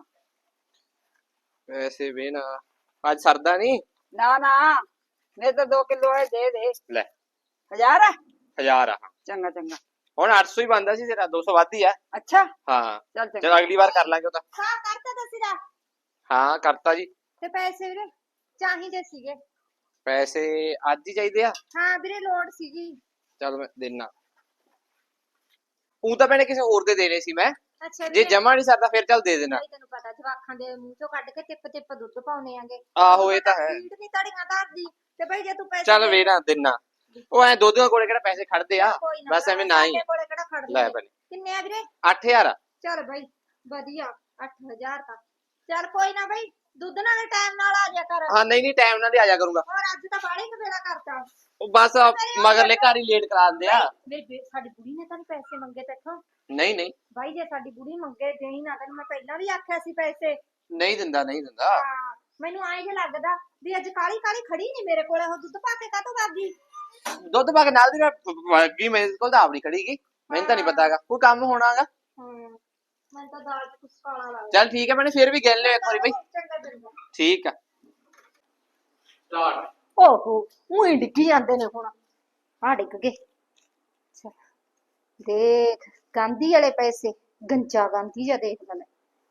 [SPEAKER 3] ਪੈਸੇ ਵੀ ਨਾ ਅੱਜ ਸਰਦਾ ਨਹੀਂ।
[SPEAKER 2] ਨਾ ਨਾ ਮੇਰੇ ਤਾਂ 2 ਕਿਲੋ ਹੈ ਦੇ ਦੇ।
[SPEAKER 3] ਲੈ
[SPEAKER 2] 1000 ਹੈ
[SPEAKER 3] 1000 ਆ
[SPEAKER 2] ਚੰਗਾ ਚੰਗਾ
[SPEAKER 3] ਹੁਣ 800 ਹੀ ਬਣਦਾ ਸੀ ਤੇਰਾ 200 ਵੱਧ ਹੀ ਆ।
[SPEAKER 2] ਅੱਛਾ
[SPEAKER 3] ਹਾਂ
[SPEAKER 2] ਚੱਲ ਚੰਗਾ
[SPEAKER 3] ਚਲ ਅਗਲੀ ਵਾਰ ਕਰ ਲਾਂਗੇ ਉਹ ਤਾਂ।
[SPEAKER 1] ਹਾਂ ਕਰਤਾ ਦਸੀਦਾ
[SPEAKER 3] ਹਾਂ ਕਰਤਾ ਜੀ।
[SPEAKER 1] ਤੇ ਪੈਸੇ ਵੀਰੇ ਚਾਹੀਦੇ ਸੀਗੇ
[SPEAKER 3] ਪੈਸੇ ਅੱਜ ਹੀ ਚਾਹੀਦੇ ਆ।
[SPEAKER 1] ਹਾਂ ਵੀਰੇ ਲੋੜ ਸੀਗੀ
[SPEAKER 3] ਚਲ ਮੈਂ ਦੇਣਾ। ਉਹ ਤਾਂ ਮੈਨੇ ਕਿਸੇ ਹੋਰ ਦੇ ਦੇਣੇ ਸੀ ਮੈਂ।
[SPEAKER 1] ਅੱਛਾ
[SPEAKER 3] ਜੇ ਜਮਾ ਨਹੀਂ ਸਰਦਾ ਫਿਰ ਚੱਲ ਦੇ ਦੇਣਾ।
[SPEAKER 1] ਭਾਈ ਤੈਨੂੰ ਪਤਾ ਜਵਾਖਾਂ ਦੇ ਮੂੰਹ ਚੋਂ ਕੱਢ ਕੇ ਟਿੱਪ ਟਿੱਪ ਦੁੱਧ ਪਾਉਣੇ ਆਂਗੇ
[SPEAKER 3] ਆਹੋ ਇਹ ਤਾਂ ਹੈ।
[SPEAKER 1] ਪੀੜ ਨਹੀਂ ਤੜੀਆਂ ਧਰਦੀ ਤੇ ਭਾਈ ਜੇ ਤੂੰ ਪੈਸੇ
[SPEAKER 3] ਚੱਲ ਵੇਣਾ ਦੇਣਾ। ਉਹ ਐ ਦੋਧੀਆਂ ਕੋਲੇ ਕਿਹੜਾ ਪੈਸੇ ਖੜਦੇ ਆ।
[SPEAKER 1] ਕੋਈ ਨਾ
[SPEAKER 3] ਬਸ ਐਵੇਂ ਨਾ ਹੀ।
[SPEAKER 1] ਸਾਡੇ ਕੋਲੇ ਕਿਹੜਾ ਖੜਦੇ
[SPEAKER 3] ਲੈ
[SPEAKER 1] ਨੇ।
[SPEAKER 3] ਬਣੇ
[SPEAKER 1] ਕਿੰਨੇ ਆ ਵੀਰੇ
[SPEAKER 3] 8000 ਆ।
[SPEAKER 1] ਚੱਲ ਭਾਈ ਵਧੀਆ 8000 ਤਾਂ ਚੱਲ ਕੋਈ ਨਾ ਭਾਈ ਦੁੱਧ ਨਾਲ ਟਾਈਮ ਨਾਲ ਆ ਜਾ ਕਰ
[SPEAKER 3] ਹਾਂ ਨਹੀਂ ਨਹੀਂ ਟਾਈਮ ਨਾਲ ਹੀ ਆ ਜਾ ਕਰੂੰਗਾ।
[SPEAKER 1] ਹੋਰ ਅੱਜ ਤਾਂ ਬਾੜੇ ਕਵੇਲਾ ਕਰਤਾ
[SPEAKER 3] ਉਹ ਬਸ ਮਗਰਲੇ ਘਰ ਹੀ ਲੇਟ ਕਰਾ ਦਿੰਦੇ ਆ।
[SPEAKER 1] ਬੇਬੇ ਸਾਡੀ ਬੁੜੀ ਨੇ ਤਾਂ ਨੀ ਪੈਸੇ ਮੰਗੇ ਤੇਥੋਂ
[SPEAKER 3] ਨਹੀਂ ਨਹੀਂ
[SPEAKER 1] ਭਾਈ ਜੇ ਸਾਡੀ ਬੁੜੀ ਮੰਗੇ ਦੇਣੀ ਨਾ ਤੈਨੂੰ ਮੈਂ ਪਹਿਲਾਂ ਵੀ ਆਖਿਆ ਸੀ ਪੈਸੇ
[SPEAKER 3] ਨਹੀਂ ਦਿੰਦਾ ਨਹੀਂ ਦਿੰਦਾ।
[SPEAKER 1] ਹਾਂ ਮੈਨੂੰ ਆਏ ਜੇ ਲੱਗਦਾ ਵੀ ਅੱਜ ਕਾਲੀ ਕਾਲੀ ਖੜੀ ਨਹੀਂ ਮੇਰੇ ਕੋਲੇ ਉਹ ਦੁੱਧ ਪਾ ਕੇ ਕਾਹਤੋਂ ਵਾਗੀ
[SPEAKER 3] ਦੁੱਧ ਪਾ ਕੇ ਨਾਲ ਦੀ ਵਗੀ ਮੇਰੇ ਕੋਲ ਤਾਂ ਆਪ ਨਹੀਂ ਖੜੀਗੀ। ਮੈਨੂੰ ਤਾਂ ਨਹੀਂ ਪਤਾਗਾ ਕੋਈ ਕੰਮ ਹੋਣਾਗਾ।
[SPEAKER 1] ਮੈਨੂੰ ਤਾਂ ਦਾਲ ਚ ਕੁਛ ਕਾਲਾ ਲੱਗਦਾ
[SPEAKER 3] ਚੱਲ ਠੀਕ ਹੈ ਮੈਨੇ ਫਿਰ ਵੀ ਗਿਣ ਲਿਓ ਇੱਕ ਵਾਰੀ ਬਈ।
[SPEAKER 1] ਚੰਗਾ ਚੰਗਾ
[SPEAKER 3] ਠੀਕ ਆ ਸਟਾਰਟ।
[SPEAKER 1] ਓਹੋ ਉਹੀ ਡਿੱਗੀ ਜਾਂਦੇ ਨੇ ਹੁਣ ਆ ਡਿੱਗ ਗਏ ਦੇਖ ਗਾਂਧੀ ਵਾਲੇ ਪੈਸੇ, ਗੰਜਾ ਗਾਂਧੀ ਜਾਂ ਦੇਖ ਲੈ।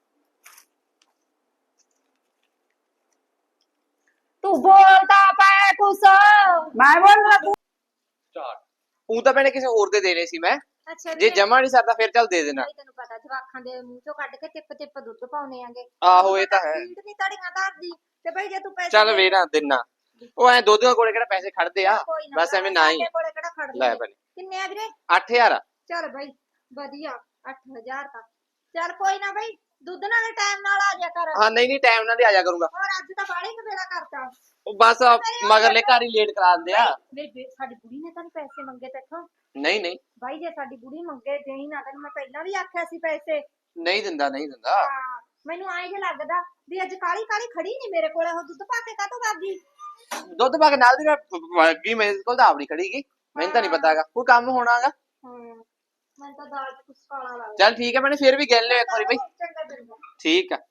[SPEAKER 1] ਤੂੰ ਬੋਲਦਾ ਪੈ ਕੁਛ।
[SPEAKER 2] ਮੈਂ ਬੋਲਣਾ ਤੂੰ।
[SPEAKER 3] ਚਾਰ ਉਹ ਤਾਂ ਭੈਣੇ ਕਿਸੇ ਹੋਰ ਦੇ ਦੇਣੇ ਸੀ ਮੈਂ।
[SPEAKER 1] ਅੱਛਾ
[SPEAKER 3] ਜੇ ਜਮਾ ਨਹੀਂ ਸਰਦਾ ਫਿਰ ਚੱਲ ਦੇ ਦੇਣਾ।
[SPEAKER 1] ਤੈਨੂੰ ਪਤਾ ਜਵਾਖਾਂ ਦੇ ਮੂੰਹ ਚੋਂ ਕੱਢ ਕੇ ਟਿੱਪ ਟਿੱਪ ਦੁੱਧ ਪਾਉਣੇ ਆਂਗੇ।
[SPEAKER 3] ਆਹੋ ਇਹ ਤਾਂ ਹੈ।
[SPEAKER 1] ਨਹੀਂ ਤੜੀਆਂ ਧਰਦੀ ਤੇ ਭਾਈ ਜੇ ਤੂੰ ਪੈਸੇ
[SPEAKER 3] ਚੱਲ ਵੇਣਾ ਦਿਨਾ ਉਹ ਐ ਦੋ ਕੋਲੇ ਕਿਹੜਾ ਪੈਸੇ ਖੜਦੇ ਆ।
[SPEAKER 1] ਕੋਈ ਨਾ
[SPEAKER 3] ਬਸ ਐਵੇਂ ਨਾ ਹੀ
[SPEAKER 1] ਸਾਡੇ ਕੋਲੇ ਕਿਹੜਾ ਖੜਦੇ
[SPEAKER 3] ਲੈ
[SPEAKER 1] ਨੇ।
[SPEAKER 3] ਭੈਣੇ
[SPEAKER 1] ਕਿੰਨੇ ਆ ਵੀਰੇ?
[SPEAKER 3] 8000
[SPEAKER 1] ਚੱਲ ਬਾਈ ਵਧੀਆ 8000 ਤਾਂ ਚੱਲ ਕੋਈ ਨਾ ਬਾਈ ਦੁੱਧ ਨਾਲੇ ਟਾਈਮ ਨਾਲ ਆ ਜਾ ਕਰ।
[SPEAKER 3] ਹਾਂ ਨਹੀਂ ਟਾਈਮ ਨਾਲ ਹੀ ਆ ਜਾ ਕਰੂੰਗਾ।
[SPEAKER 1] ਹੋਰ ਅੱਜ ਤਾਂ ਬਾਹਲੇ ਕਵੇਲਾ ਕਰਤਾ।
[SPEAKER 3] ਉਹ ਬਸ ਮਗਰਲੇ ਘਰ ਹੀ ਲੇਟ ਕਰਾ ਦਿੰਦੇ ਆ।
[SPEAKER 1] ਵੇ ਸਾਡੀ ਬੁੜੀ ਨੇ ਤਾਂ ਪੈਸੇ ਮੰਗੇ ਤੇਥੋਂ।
[SPEAKER 3] ਨਹੀਂ
[SPEAKER 1] ਬਾਈ ਜੇ ਸਾਡੀ ਬੁੜੀ ਮੰਗੇ ਦੇਈ ਨਾ ਤੈਨੂੰ ਮੈਂ ਪਹਿਲਾਂ ਵੀ ਆਖਿਆ ਸੀ ਪੈਸੇ।
[SPEAKER 3] ਨਹੀਂ ਦਿੰਦਾ
[SPEAKER 1] ਹਾਂ ਮੈਨੂੰ ਆਏ ਜੇ ਲੱਗਦਾ ਵੀ ਅੱਜ ਕਾਲੀ ਕਾਲੀ ਖੜੀ ਨਹੀਂ ਮੇਰੇ ਕੋਲ ਉਹ ਦੁੱਧ ਪਾ ਕੇ ਕਾਹਤੋਂ ਵਾਗੀ।
[SPEAKER 3] ਦੁੱਧ ਪਾ ਕੇ ਨਾਲ ਦੀ ਵਗੀ ਮੇਰੇ ਕੋਲ ਤਾਂ ਆਪਣੀ ਖੜੀ ਗਈ। ਮੈਨੂੰ ਤਾਂ ਨਹੀਂ ਪਤਾਗਾ ਕੋਈ ਕੰਮ ਹੋਣਾਗਾ।
[SPEAKER 1] ਮੈਨੂੰ ਤਾਂ ਦਾਲ ਚ ਕੁਛ ਕਾਲਾ ਲੱਗਦਾ।
[SPEAKER 3] ਚੱਲ ਠੀਕ ਹੈ ਮੈਨੇ ਫਿਰ ਵੀ ਗਿਣ ਲਿਓ ਇੱਕ ਵਾਰੀ ਬਈ।
[SPEAKER 1] ਚੰਗਾ
[SPEAKER 3] ਠੀਕ ਆ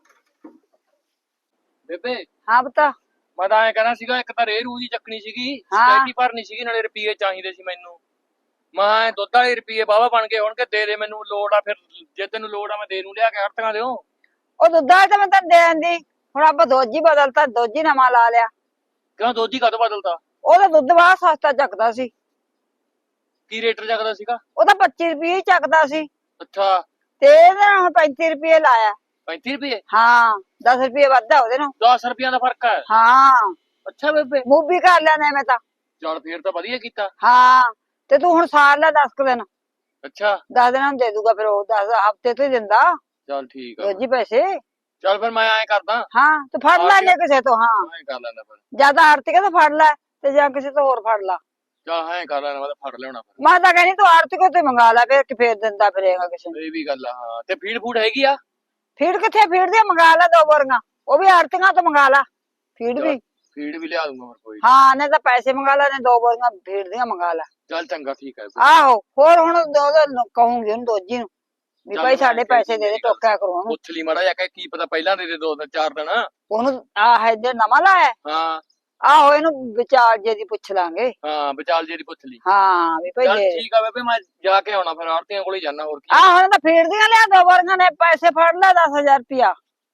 [SPEAKER 3] ਬੇਬੇ।
[SPEAKER 2] ਹਾਂ ਬਤਾ
[SPEAKER 4] ਮੈਂ ਤਾਂ ਐ ਕਹਿਣਾ ਸੀਗਾ ਇੱਕ ਤਾਂ ਰੇਹ ਰੂ ਦੀ ਚੱਕਣੀ ਸੀਗੀ,
[SPEAKER 2] ਹਾਂ।
[SPEAKER 4] ਸਪੈਟੀ ਭਰਨੀ ਸੀਗੀ, ਨਾਲੇ ਰੁਪਈਏ ਚਾਹੀਦੇ ਸੀ ਮੈਨੂੰ। ਮੈਂ ਦੁੱਧ ਵਾਲੇ ਰੁਪਈਏ ਵਾਹਵਾ ਬਣ ਗਏ ਹੋਣਗੇ, ਦੇ ਮੈਨੂੰ ਲੋੜ ਆ ਫਿਰ ਜੇ ਤੈਨੂੰ ਲੋੜ ਆ ਮੈਂ ਦੇ ਨੂੰ ਲਿਆ ਕੇ ਹਰਤੀਆਂ ਦਿਓ।
[SPEAKER 2] ਉਹ ਦੁੱਧਾ ਤੇ ਮੈਂ ਤਾਂ ਦੇਣ ਦੀ ਹੁਣ ਆਪਾਂ ਦੋਜੀ ਬਦਲਤਾ, ਦੋਜੀ ਨਵਾਂ ਲਾ ਲਿਆ।
[SPEAKER 4] ਕਿਉਂ ਦੋਜੀ ਕਦੋਂ ਬਦਲਤਾ?
[SPEAKER 2] ਉਹਦਾ ਦੁੱਧ ਬਾਹਲਾ ਸਸਤਾ ਚੱਕਦਾ ਸੀ।
[SPEAKER 4] ਕੀ ਰੇਟ ਚੱਕਦਾ ਸੀਗਾ?
[SPEAKER 2] ਉਹ ਤਾਂ 25 ਰੁਪਏ ਹੀ ਚੱਕਦਾ ਸੀ
[SPEAKER 4] ਅੱਛਾ
[SPEAKER 2] ਤੇ ਇਹਦੇ ਹੁਣ 35 ਰੁਪਏ ਲਾਇਆ।
[SPEAKER 4] 35 ਰੁਪਏ?
[SPEAKER 2] ਹਾਂ 10 ਰੁਪਏ ਵੱਧ ਆ ਉਹਦੇ ਨੂੰ।
[SPEAKER 4] 10 ਰੁਪਈਆਂ ਦਾ ਫਰਕ ਹੈ?
[SPEAKER 2] ਹਾਂ
[SPEAKER 4] ਅੱਛਾ ਬੇਬੇ
[SPEAKER 2] ਮੂਵੀ ਕਰ ਲੈਣਾ ਮੈਂ ਤਾਂ।
[SPEAKER 4] ਚੱਲ ਫੇਰ ਤਾਂ ਵਧੀਆ ਕੀਤਾ।
[SPEAKER 2] ਹਾਂ ਤੇ ਤੂੰ ਹੁਣ ਸਾਰ ਲੈ 10 ਕੁ ਦਿਨ।
[SPEAKER 4] ਅੱਛਾ
[SPEAKER 2] 10 ਦਿਨਾਂ ਨੂੰ ਦੇ ਦੂਗਾ ਫਿਰ ਉਹ 10 ਹਫ਼ਤੇ ਤੋਂ ਹੀ ਦਿੰਦਾ
[SPEAKER 4] ਚੱਲ ਠੀਕ ਆ।
[SPEAKER 2] ਰੋਜੀ ਪੈਸੇ।
[SPEAKER 4] ਚੱਲ ਫਿਰ ਮੈਂ ਐਂ ਕਰਦਾ,
[SPEAKER 2] ਹਾਂ ਤੂੰ ਫੜ ਲੈਣੇ ਕਿਸੇ ਤੋਂ। ਹਾਂ
[SPEAKER 4] ਐਂ ਕਰ ਲੈਣਾ ਫਿਰ।
[SPEAKER 2] ਜਿਆਦਾ ਆਰਤੀ ਤੋਂ ਫੜ ਲੈ ਤੇ ਜਾਂ ਕਿਸੇ ਤੋਂ ਹੋਰ ਫੜ ਲਾ।
[SPEAKER 4] ਚੱਲ ਐਂ ਕਰ ਲੈਣਾ, ਮੈਂ ਤਾਂ ਫੜ ਲਿਆਉਣਾ ਫਿਰ।
[SPEAKER 2] ਮੈਂ ਤਾਂ ਕਹਿੰਦੀ ਤੂੰ ਆਰਤੀ ਕੋ ਤੇ ਮੰਗਾ ਲੈ ਫਿਰ ਕਿ ਫੇਰ ਦਿੰਦਾ ਫਿਰੇਗਾ ਕਿਸੇ ਨੂੰ।
[SPEAKER 4] ਇਹ ਵੀ ਗੱਲ ਆ। ਹਾਂ ਤੇ ਫੀਡ ਫੂਡ ਹੈਗੀ ਆ?
[SPEAKER 2] ਫੀਡ ਕਿੱਥੇ? ਫੀਡ ਦੇ ਮੰਗਾ ਲੈ 2 ਬੋਰੀਆਂ, ਉਹ ਵੀ ਆਰਤੀਆਂ ਤੋਂ ਮੰਗਾ ਲੈ ਫੀਡ ਵੀ।
[SPEAKER 4] ਫੀਡ ਵੀ ਲਿਆ ਦੂੰਗਾ ਫਿਰ ਕੋਈ।
[SPEAKER 2] ਹਾਂ ਨੇ ਤਾਂ ਪੈਸੇ ਮੰਗਾ ਲੈ, ਨੇ 2 ਬੋਰੀਆਂ ਫੀਡ ਦੀਆਂ ਮੰਗਾ ਲੈ।
[SPEAKER 4] ਚੱਲ ਚੰਗਾ ਠੀਕ ਹੈ।
[SPEAKER 2] ਆਹੋ ਹੋਰ ਹੁਣ ਕਹੂੰਗੀ ਉਹਨੂੰ ਦੋਜੀ ਨੂੰ ਵੀ
[SPEAKER 4] ਚੱਲ
[SPEAKER 2] ਭਾਈ
[SPEAKER 4] ਮੈਂ
[SPEAKER 2] ਸਾਡੇ ਪੈਸੇ ਦੇ ਦੇ, ਟੋਕਿਆ ਕਰੋ ਉਹਨੂੰ।
[SPEAKER 4] ਪੁੱਛ ਲਈ ਮਾੜਾ ਜਿਹਾ, ਕੀ ਪਤਾ ਪਹਿਲਾਂ ਦੇ 2-4 ਦਿਨ।
[SPEAKER 2] ਉਹਨੂੰ ਆਹ ਜੇ ਨਵਾਂ ਲਾਇਆ
[SPEAKER 4] ਹਾਂ
[SPEAKER 2] ਆਹੋ ਇਹਨੂੰ ਵਿਚਾਰ ਜੇ ਦੀ ਪੁੱਛ ਲਾਂਗੇ।
[SPEAKER 4] ਹਾਂ ਵਿਚਾਲ ਜਿਹੜੀ ਪੁੱਛ ਲਈ।
[SPEAKER 2] ਹਾਂ ਵੀ ਭਾਈ
[SPEAKER 4] ਚੱਲ
[SPEAKER 2] ਦੇ
[SPEAKER 4] ਠੀਕ ਆ ਬੇਬੇ, ਮੈਂ ਜਾ ਕੇ ਆਉਣਾ ਫਿਰ ਆੜਤੀਆਂ ਕੋਲ ਹੀ ਜਾਣਾ। ਹੋਰ ਕੀ
[SPEAKER 2] ਆਹ ਹੁਣ ਤਾਂ ਫੀਡ ਦੀਆਂ ਲਿਆ 2 ਬੋਰੀਆਂ ਨੇ, ਪੈਸੇ ਫੜ ਲੈ 10,000 ਰੁਪਇਆ।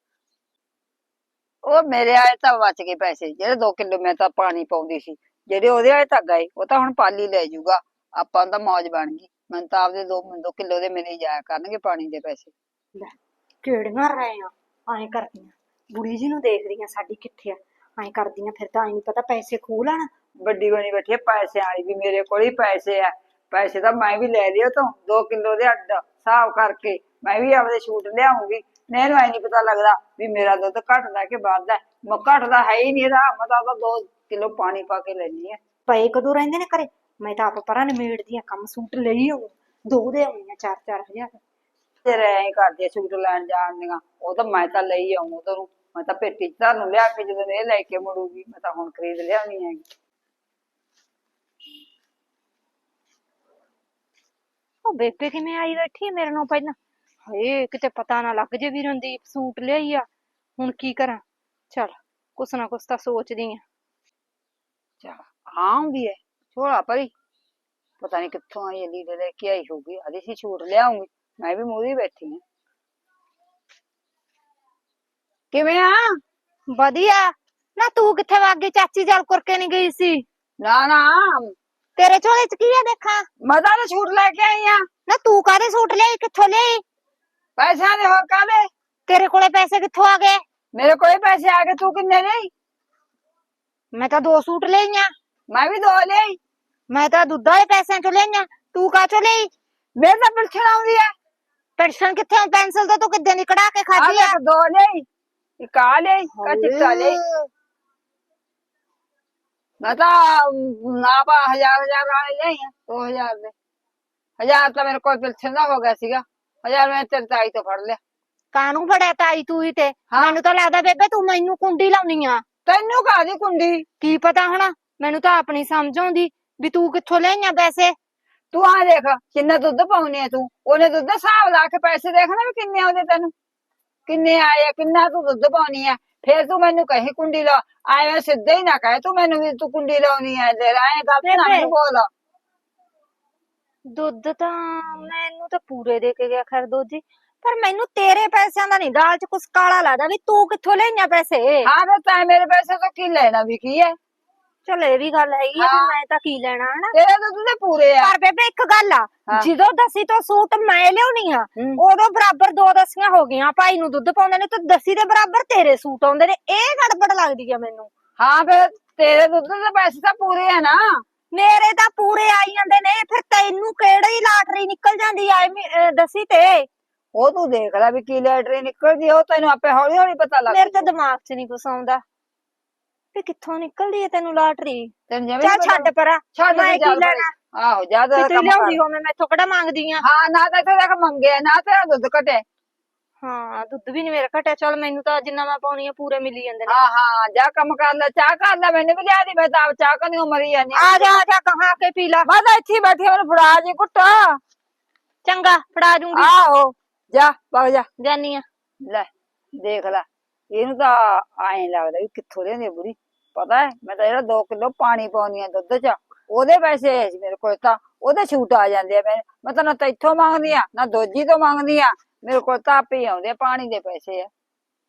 [SPEAKER 2] ਉਹ ਮੇਰੇ ਆਏ ਤਾਂ ਬਚ ਗਏ ਪੈਸੇ, ਜਿਹੜੇ 2 ਕਿਲੋ ਮੈਂ ਤਾਂ ਪਾਣੀ ਪਾਉਂਦੀ ਸੀ, ਜਿਹੜੇ ਉਹਦੇ ਆਏ ਤਾਂ ਗਏ, ਉਹ ਤਾਂ ਹੁਣ ਪਾਲੀ ਲੈ ਜਾਊਗਾ। ਆਪਾਂ ਨੂੰ ਤਾਂ ਮੌਜ ਬਣ ਗਈ। ਮੈਨੂੰ ਤਾਂ ਆਪਦੇ 2 ਕਿਲੋ ਦੇ ਮਿਲੇ ਜਾਇਆ ਕਰਨਗੇ ਪਾਣੀ ਦੇ ਪੈਸੇ।
[SPEAKER 1] ਲੈ ਕਿਹੜੀਆਂ ਰਹੇ ਆ ਐਂ ਕਰਦੀਆਂ ਬੁੜੀ ਜੀ ਨੂੰ ਦੇਖਦੀਆਂ ਸਾਡੀ ਕਿੱਥੇ ਆ ਐਂ ਕਰਦੀਆਂ ਫਿਰ ਤਾਂ ਐ ਨਹੀਂ ਪਤਾ ਪੈਸੇ ਖੋਹ ਲੈਣ।
[SPEAKER 2] ਵੱਡੀ ਬਣੀ ਬੈਠੀ ਹੈ ਪੈਸੇ ਵਾਲੀ ਵੀ, ਮੇਰੇ ਕੋਲ ਹੀ ਪੈਸੇ ਆ। ਪੈਸੇ ਤਾਂ ਮੈਂ ਵੀ ਲੈ ਲਿਓ ਤੋਂ 2 ਕਿਲੋ ਦੇ ਅੱਡ ਹਿਸਾਬ ਕਰਕੇ ਮੈਂ ਵੀ ਆਪਦੇ ਛੂਟ ਲਿਆਉਂਗੀ। ਮੈਨੂੰ ਐ ਨਹੀਂ ਪਤਾ ਲੱਗਦਾ ਵੀ ਮੇਰਾ ਦੁੱਧ ਘਟਦਾ ਕਿ ਵੱਧਦਾ। ਮੈਂ ਘਟਦਾ ਹੈ ਹੀ ਨਹੀਂ ਇਹਦਾ, ਮੈਂ ਤਾਂ 2 ਕਿਲੋ ਪਾਣੀ ਪਾ ਕੇ ਲੈਣੀ ਆ।
[SPEAKER 1] ਪਏ ਕਦੋਂ ਰਹਿੰਦੇ ਨੇ ਘਰੇ? ਮੈਂ ਤਾਂ ਆਪ ਪਰਾਂ ਨਿਮੇੜਦੀਆਂ ਕੰਮ, ਸੂਟ ਲਈ ਆਉਂ 2 ਦੇ ਆਉਣੀਆਂ 4-4 ਹਜ਼ਾਰ।
[SPEAKER 2] ਫਿਰ ਐਂ ਕਰਦੀ ਛੂਟ ਲੈਣ ਜਾਣ ਦੀਆਂ, ਉਹ ਤਾਂ ਮੈਂ ਤਾਂ ਲਈ ਆਉਂ ਤੈਨੂੰ। ਮੈਂ ਤਾਂ ਪੇਟੀ ਚ ਤੁਹਾਨੂੰ ਲਿਆ ਕੇ ਜਦੋਂ ਇਹ ਲੈ ਕੇ ਮੁੜੂਗੀ, ਮੈਂ ਤਾਂ ਹੁਣ ਖਰੀਦ ਲਿਆਉਣੀ ਹੈਗੀ।
[SPEAKER 1] ਉਹ ਬੇਬੇ ਕਿਵੇਂ ਆਈ ਬੈਠੀ ਮੇਰੇ ਨਾਲ ਪਹਿਲਾਂ? ਹਾਏ ਕਿਤੇ ਪਤਾ ਨਾ ਲੱਗ ਜੇ ਵੀ ਰਣਦੀਪ ਸੂਟ ਲਿਆਈ ਆ। ਹੁਣ ਕੀ ਕਰਾਂ? ਚਲ ਕੁਛ ਨਾ ਕੁਛ ਤਾਂ ਸੋਚਦੀ ਆ।
[SPEAKER 2] ਚਲ ਆਉਂਦੀ ਹੈ ਛੋੜਾ ਪਰੀ, ਪਤਾ ਨਹੀਂ ਕਿੱਥੋਂ ਆਈ ਲੀੜੇ ਲੈ ਕੇ ਆਈ ਹੋਊਗੀ। ਆਦੀ ਸੀ ਛੂਟ ਲਿਆਉਂਗੀ, ਮੈਂ ਵੀ ਮੂਹਰੇ ਬੈਠੀ ਹਾਂ। ਕਿਵੇਂ ਆ?
[SPEAKER 1] ਵਧੀਆ ਨਾ ਤੂੰ ਕਿੱਥੇ ਵਗ ਗਈ? ਚਾਚੀ ਜਲ ਕਰਕੇ ਨਹੀਂ ਗਈ ਸੀ?
[SPEAKER 2] ਨਾ ਨਾ
[SPEAKER 1] ਤੇਰੇ ਝੋਲੇ ਚ ਕੀ ਆ ਦੇਖਾਂ?
[SPEAKER 2] ਮੈਂ ਤਾਂ ਛੂਟ ਲੈ ਕੇ ਆਈ ਆ।
[SPEAKER 1] ਨਾ ਤੂੰ ਕਾਹਦੇ ਸੂਟ ਲਿਆਈ? ਕਿੱਥੋਂ ਲਿਆਈ?
[SPEAKER 2] ਪੈਸਿਆਂ ਦੇ ਹੋਰ ਕਾਹਦੇ?
[SPEAKER 1] ਤੇਰੇ ਕੋਲੇ ਪੈਸੇ ਕਿੱਥੋਂ ਆ ਗਏ?
[SPEAKER 2] ਮੇਰੇ ਕੋਲ ਪੈਸੇ ਆ ਗਏ, ਤੂੰ ਕਿੰਨੇ ਲਈ?
[SPEAKER 1] ਮੈਂ ਤਾਂ 2 ਸੂਟ ਲਈਆਂ।
[SPEAKER 2] ਮੈਂ ਵੀ 2 ਲਈ।
[SPEAKER 1] ਮੈਂ ਤਾਂ ਦੁੱਧ ਵਾਲੇ ਪੈਸਿਆਂ ਚੋਂ ਲਈਆਂ, ਤੂੰ ਕਾਹਚੋਂ ਲਈ?
[SPEAKER 2] ਮੇਰੇ ਤਾਂ ਪਿਲਛਣ ਆਉਂਦੀ ਹੈ।
[SPEAKER 1] ਪੈਨਸ਼ਨ ਕਿੱਥੇ? ਪੈਨਸਲ ਤਾਂ ਤੂੰ ਕਿੱਦਾਂ ਦੀ ਕਢਾ ਕੇ ਖਾਧੀ ਆ?
[SPEAKER 2] 2 ਲਈ, ਇੱਕ ਆ ਲਈ, ਚਿੱਟਾ ਲਈ। ਮੈਂ ਤਾਂ ਨਾ ਪਾ 1000 ਵਾਲੇ ਲਈ ਆ, 2000 ਦੇ। 1000 ਤਾਂ ਮੇਰੇ ਕੋਲ ਪਿਲਛਣ ਦਾ ਹੋ ਗਿਆ ਸੀਗਾ, 1000 ਮੈਂ ਤੇਰੀ ਤਾਈ ਤੋਂ ਫੜ ਲਿਆ।
[SPEAKER 1] ਕਾਹਨੂੰ ਫੜਿਆ ਤਾਈ ਤੂੰ ਹੀ ਤੇ? ਮੈਨੂੰ ਤਾਂ ਲੱਗਦਾ ਬੇਬੇ ਤੂੰ ਮੈਨੂੰ ਕੁੰਡੀ ਲਾਉਣੀ ਆ।
[SPEAKER 2] ਤੈਨੂੰ ਕਾਹਦੀ ਕੁੰਡੀ?
[SPEAKER 1] ਕੀ ਪਤਾ ਹੁਣ, ਮੈਨੂੰ ਤਾਂ ਆਪਣੀ ਸਮਝ ਆਉਂਦੀ ਵੀ ਤੂੰ ਕਿੱਥੋਂ ਲਈਆਂ ਪੈਸੇ।
[SPEAKER 2] ਤੂੰ ਆ ਦੇਖ ਕਿੰਨਾ ਦੁੱਧ ਪਾਉਣੀ ਆ ਤੂੰ, ਉਹਨੇ ਦੁੱਧ ਹਿਸਾਬ ਲਾ ਕੇ ਪੈਸੇ ਦੇਖਣਾ ਵੀ ਕਿੰਨੇ ਆਉਂਦੇ ਤੈਨੂੰ, ਕਿੰਨੇ ਆਏ ਆ, ਕਿੰਨਾ ਤੂੰ ਦੁੱਧ ਪਾਉਣੀ ਆ। ਫੇਰ ਤੂੰ ਮੈਨੂੰ ਕਹੀ ਕੁੰਡੀ ਲਾ, ਐਵੇਂ ਸਿੱਧੇ ਹੀ ਨਾ ਕਹੇ ਤੂੰ ਮੈਨੂੰ ਵੀ ਤੂੰ ਕੁੰਡੀ ਲਾਉਣੀ ਆ। ਦੇ ਐਂ ਗੱਲ ਨਾ ਮੈਨੂੰ ਬੋਲ।
[SPEAKER 1] ਦੁੱਧ ਤਾਂ ਮੈਨੂੰ ਤਾਂ ਪੂਰੇ ਦੇ ਕੇ ਗਿਆ ਖੈਰ ਦੋਜੀ, ਪਰ ਮੈਨੂੰ ਤੇਰੇ ਪੈਸਿਆਂ ਦਾ ਨਹੀਂ ਦਾਲ 'ਚ ਕੁਛ ਕਾਲਾ ਲੱਗਦਾ ਵੀ ਤੂੰ ਕਿੱਥੋਂ ਲੈਣਿਆ ਪੈਸੇ।
[SPEAKER 2] ਹਾਂ ਫਿਰ ਤੈਂ ਮੇਰੇ ਪੈਸੇ ਤੋਂ ਕੀ ਲੈਣਾ ਵੀ ਕੀ ਹੈ?
[SPEAKER 1] ਚਲ ਇਹ ਵੀ ਗੱਲ ਹੈਗੀ ਆ ਵੀ
[SPEAKER 2] ਹਾਂ।
[SPEAKER 1] ਮੈਂ ਤਾਂ ਕੀ ਲੈਣਾ ਹਨਾ।
[SPEAKER 2] ਤੇਰੇ ਦੁੱਧ ਦੇ ਪੂਰੇ ਆ।
[SPEAKER 1] ਪਰ ਬੇਬੇ ਇੱਕ ਗੱਲ ਆ,
[SPEAKER 2] ਹਾਂ।
[SPEAKER 1] ਜਦੋਂ ਦਸੀ ਤੋਂ ਸੂਟ ਮੈਂ ਲਿਆਉਣੀ ਆ ਉਦੋਂ ਬਰਾਬਰ ਦੋ ਦਸੀਆਂ ਹੋ ਗਈਆਂ। ਭਾਈ ਨੂੰ ਦੁੱਧ ਪਾਉਂਦੇ ਨੇ ਤੇ ਦਸੀ ਦੇ ਬਰਾਬਰ ਤੇਰੇ ਸੂਟ ਆਉਂਦੇ ਨੇ, ਇਹ ਗੜਬੜ ਲੱਗਦੀ ਆ ਮੈਨੂੰ।
[SPEAKER 2] ਹਾਂ ਫਿਰ ਤੇਰੇ ਦੁੱਧ ਦੇ ਪੈਸੇ ਤਾਂ ਪੂਰੇ ਆ ਨਾ।
[SPEAKER 1] ਮੇਰੇ ਤਾਂ ਪੂਰੇ ਆਈ ਜਾਂਦੇ ਨੇ, ਫਿਰ ਤੈਨੂੰ ਕਿਹੜੀ ਲਾਟਰੀ ਨਿਕਲ ਜਾਂਦੀ ਆ ਦਸੀ ਤੇ।
[SPEAKER 2] ਉਹ ਤੂੰ ਦੇਖ ਲੈ ਵੀ ਕੀ ਲੈਟਰੀ ਨਿਕਲਦੀ ਆ, ਉਹ ਤੈਨੂੰ ਆਪੇ ਹੌਲੀ ਹੌਲੀ ਪਤਾ ਲੱਗ
[SPEAKER 1] ਮੇਰੇ ਤਾਂ ਦਿਮਾਗ 'ਚ ਨਹੀਂ ਕੁਛ ਆਉਂਦਾ ਵੀ ਕਿੱਥੋਂ ਨਿਕਲਦੀ ਹੈ ਤੈਨੂੰ ਲਾਟਰੀ।
[SPEAKER 2] ਤੈਨੂੰ ਜਿਵੇਂ
[SPEAKER 1] ਚੱਲ ਛੱਡ ਪਰਾਂ,
[SPEAKER 2] ਛੱਡ
[SPEAKER 1] ਮੈਂ
[SPEAKER 2] ਦੇ
[SPEAKER 1] ਕੀ
[SPEAKER 2] ਚੱਲ
[SPEAKER 1] ਲੈਣਾ।
[SPEAKER 2] ਆਹੋ ਜਾ
[SPEAKER 1] ਵੀ
[SPEAKER 2] ਤੇਰਾ
[SPEAKER 1] ਤੂੰ
[SPEAKER 2] ਕੰਮ
[SPEAKER 1] ਲਿਆਉਂਦੀ
[SPEAKER 2] ਕਰ।
[SPEAKER 1] ਹੋ, ਮੈਂ ਮੈਥੋਂ ਕਿਹੜਾ ਮੰਗਦੀ ਆ।
[SPEAKER 2] ਹਾਂ ਨਾ ਤਾਂ ਇੱਥੇ ਤੱਕ ਮੰਗਿਆ ਨਾ ਤੇਰਾ ਦੁੱਧ ਘਟੇ।
[SPEAKER 1] ਹਾਂ ਦੁੱਧ ਵੀ ਨੀ ਮੇਰਾ ਘਟਿਆ, ਚੱਲ ਮੈਨੂੰ ਤਾਂ ਜਿੰਨਾ ਮੈਂ ਪਾਉਣੀ ਆ ਪੂਰੇ ਮਿਲੀ ਜਾਂਦੇ ਨੇ।
[SPEAKER 2] ਹਾਂ ਹਾਂ ਜਾ ਕੰਮ ਕਰ ਲੈ, ਚਾਹ ਕਰ ਲੈ, ਮੈਨੂੰ ਵੀ ਲਿਆ ਦੀ, ਮੈਂ ਤਾਂ ਆਪ ਚਾਹ ਕਰਨੀ ਮਰੀ ਜਾਂਦੀ
[SPEAKER 1] ਆ ਜਾ ਕਹਾ ਕੇ ਪੀ ਲਾ।
[SPEAKER 2] ਮੈਂ ਤਾਂ ਇੱਥੇ ਹੀ ਬੈਠੀ, ਮੈਨੂੰ ਫੜਾ ਜੀ ਘੁੱਟ।
[SPEAKER 1] ਚੰਗਾ ਫੜਾ ਦੂੰਗੀ,
[SPEAKER 2] ਆਹੋ ਜਾ ਵਗ ਜਾ।
[SPEAKER 1] ਜਾਨੀ ਆ।
[SPEAKER 2] ਲੈ ਦੇਖ ਲੈ, ਇਹਨੂੰ ਤਾਂ ਐਂ ਲੱਗਦਾ ਵੀ ਕਿੱਥੋਂ ਲਿਆਂਦੀ ਬੁੜੀ। ਪਤਾ ਹੈ ਮੈਂ ਤਾਂ ਜਿਹੜਾ 2 ਕਿਲੋ ਪਾਣੀ ਪਾਉਣੀ ਆ ਦੁੱਧ 'ਚ, ਉਹਦੇ ਪੈਸੇ ਆਏ ਸੀ ਮੇਰੇ ਕੋਲ, ਤਾਂ ਉਹਦੇ ਛੂਟ ਆ ਜਾਂਦੇ ਆ। ਮੈਂ ਤਾਂ ਨਾ ਇੱਥੋਂ ਮੰਗਦੀ ਆ ਨਾ ਦੋਜੀ ਤੋਂ ਮੰਗਦੀ ਆ, ਮੇਰੇ ਕੋਲ ਤਾਂ ਆਪੇ ਹੀ ਆਉਂਦੇ ਆ, ਪਾਣੀ ਦੇ ਪੈਸੇ ਆ।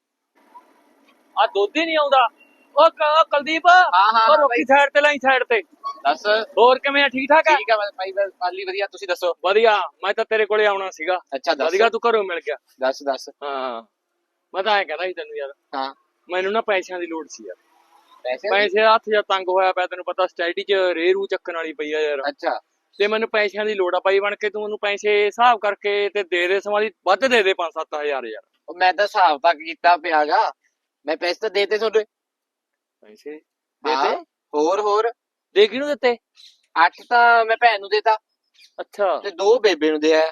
[SPEAKER 4] ਆ ਦੁੱਧ ਹੀ ਨਹੀਂ ਆਉਂਦਾ। ਉਹ ਕੁਲਦੀਪ,
[SPEAKER 3] ਹਾਂ,
[SPEAKER 4] ਉਹ ਰੋਕੀ ਸਾਈਡ ਤੇ ਲਾਈ, ਸਾਈਡ ਤੇ।
[SPEAKER 3] ਦੱਸ।
[SPEAKER 4] ਹੋਰ ਕਿਵੇਂ ਆ, ਠੀਕ ਠਾਕ ਆ?
[SPEAKER 3] ਠੀਕ ਆ ਭਾਈ, ਪਾਲੀ ਵਧੀਆ, ਤੁਸੀਂ ਦੱਸੋ।
[SPEAKER 4] ਵਧੀਆ, ਮੈਂ ਤਾਂ ਤੇਰੇ ਕੋਲੇ ਆਉਣਾ ਸੀਗਾ।
[SPEAKER 3] ਅੱਛਾ ਦੱਸ।
[SPEAKER 4] ਵਧੀਆ ਤੂੰ ਘਰੋਂ ਮਿਲ ਗਿਆ।
[SPEAKER 3] ਦੱਸ।
[SPEAKER 4] ਹਾਂ ਮੈਂ ਤਾਂ ਐਂ ਕਹਿੰਦਾ ਸੀ ਤੈਨੂੰ ਯਾਰ,
[SPEAKER 3] ਹਾਂ
[SPEAKER 4] ਮੈਨੂੰ ਨਾ ਪੈਸਿਆਂ ਦੀ ਲੋੜ ਸੀ ਯਾਰ।
[SPEAKER 3] ਪੈਸੇ।
[SPEAKER 4] ਪੈਸੇ ਹੱਥ ਜਾਂ ਤੰਗ ਹੋਇਆ ਪਿਆ, ਤੈਨੂੰ ਪਤਾ ਸਟੈਡੀ 'ਚ ਰੇਰੂ ਚੱਕਣ ਵਾਲੀ ਪਈ ਆ ਯਾਰ।
[SPEAKER 3] ਅੱਛਾ
[SPEAKER 4] ਤੇ ਮੈਨੂੰ ਪੈਸਿਆਂ ਦੀ ਲੋੜ ਆ ਬਾਈ ਬਣ ਕੇ, ਤੂੰ ਮੈਨੂੰ ਪੈਸੇ ਹਿਸਾਬ ਕਰਕੇ ਤੇ ਦੇ ਸਮਾਂ ਵੱਧ ਦੇ 5-7 ਹਜ਼ਾਰ ਯਾਰ।
[SPEAKER 3] ਉਹ ਮੈਂ ਤਾਂ ਹਿਸਾਬ ਤੱਕ ਕੀਤਾ ਪਿਆਗਾ, ਮੈਂ ਪੈਸੇ ਤਾਂ ਦੇਤੇ ਤੁਹਾਡੇ।
[SPEAKER 4] ਪੈਸੇ
[SPEAKER 3] ਹਾਂ,
[SPEAKER 4] ਦੇਤੇ?
[SPEAKER 3] ਹੋਰ
[SPEAKER 4] ਦੇ ਕਿਹਨੂੰ ਦਿੱਤੇ?
[SPEAKER 3] 8 ਤਾਂ ਮੈਂ ਭੈਣ ਨੂੰ ਦੇਤਾ
[SPEAKER 4] ਅੱਛਾ,
[SPEAKER 3] ਤੇ 2 ਬੇਬੇ ਨੂੰ ਦਿਆ।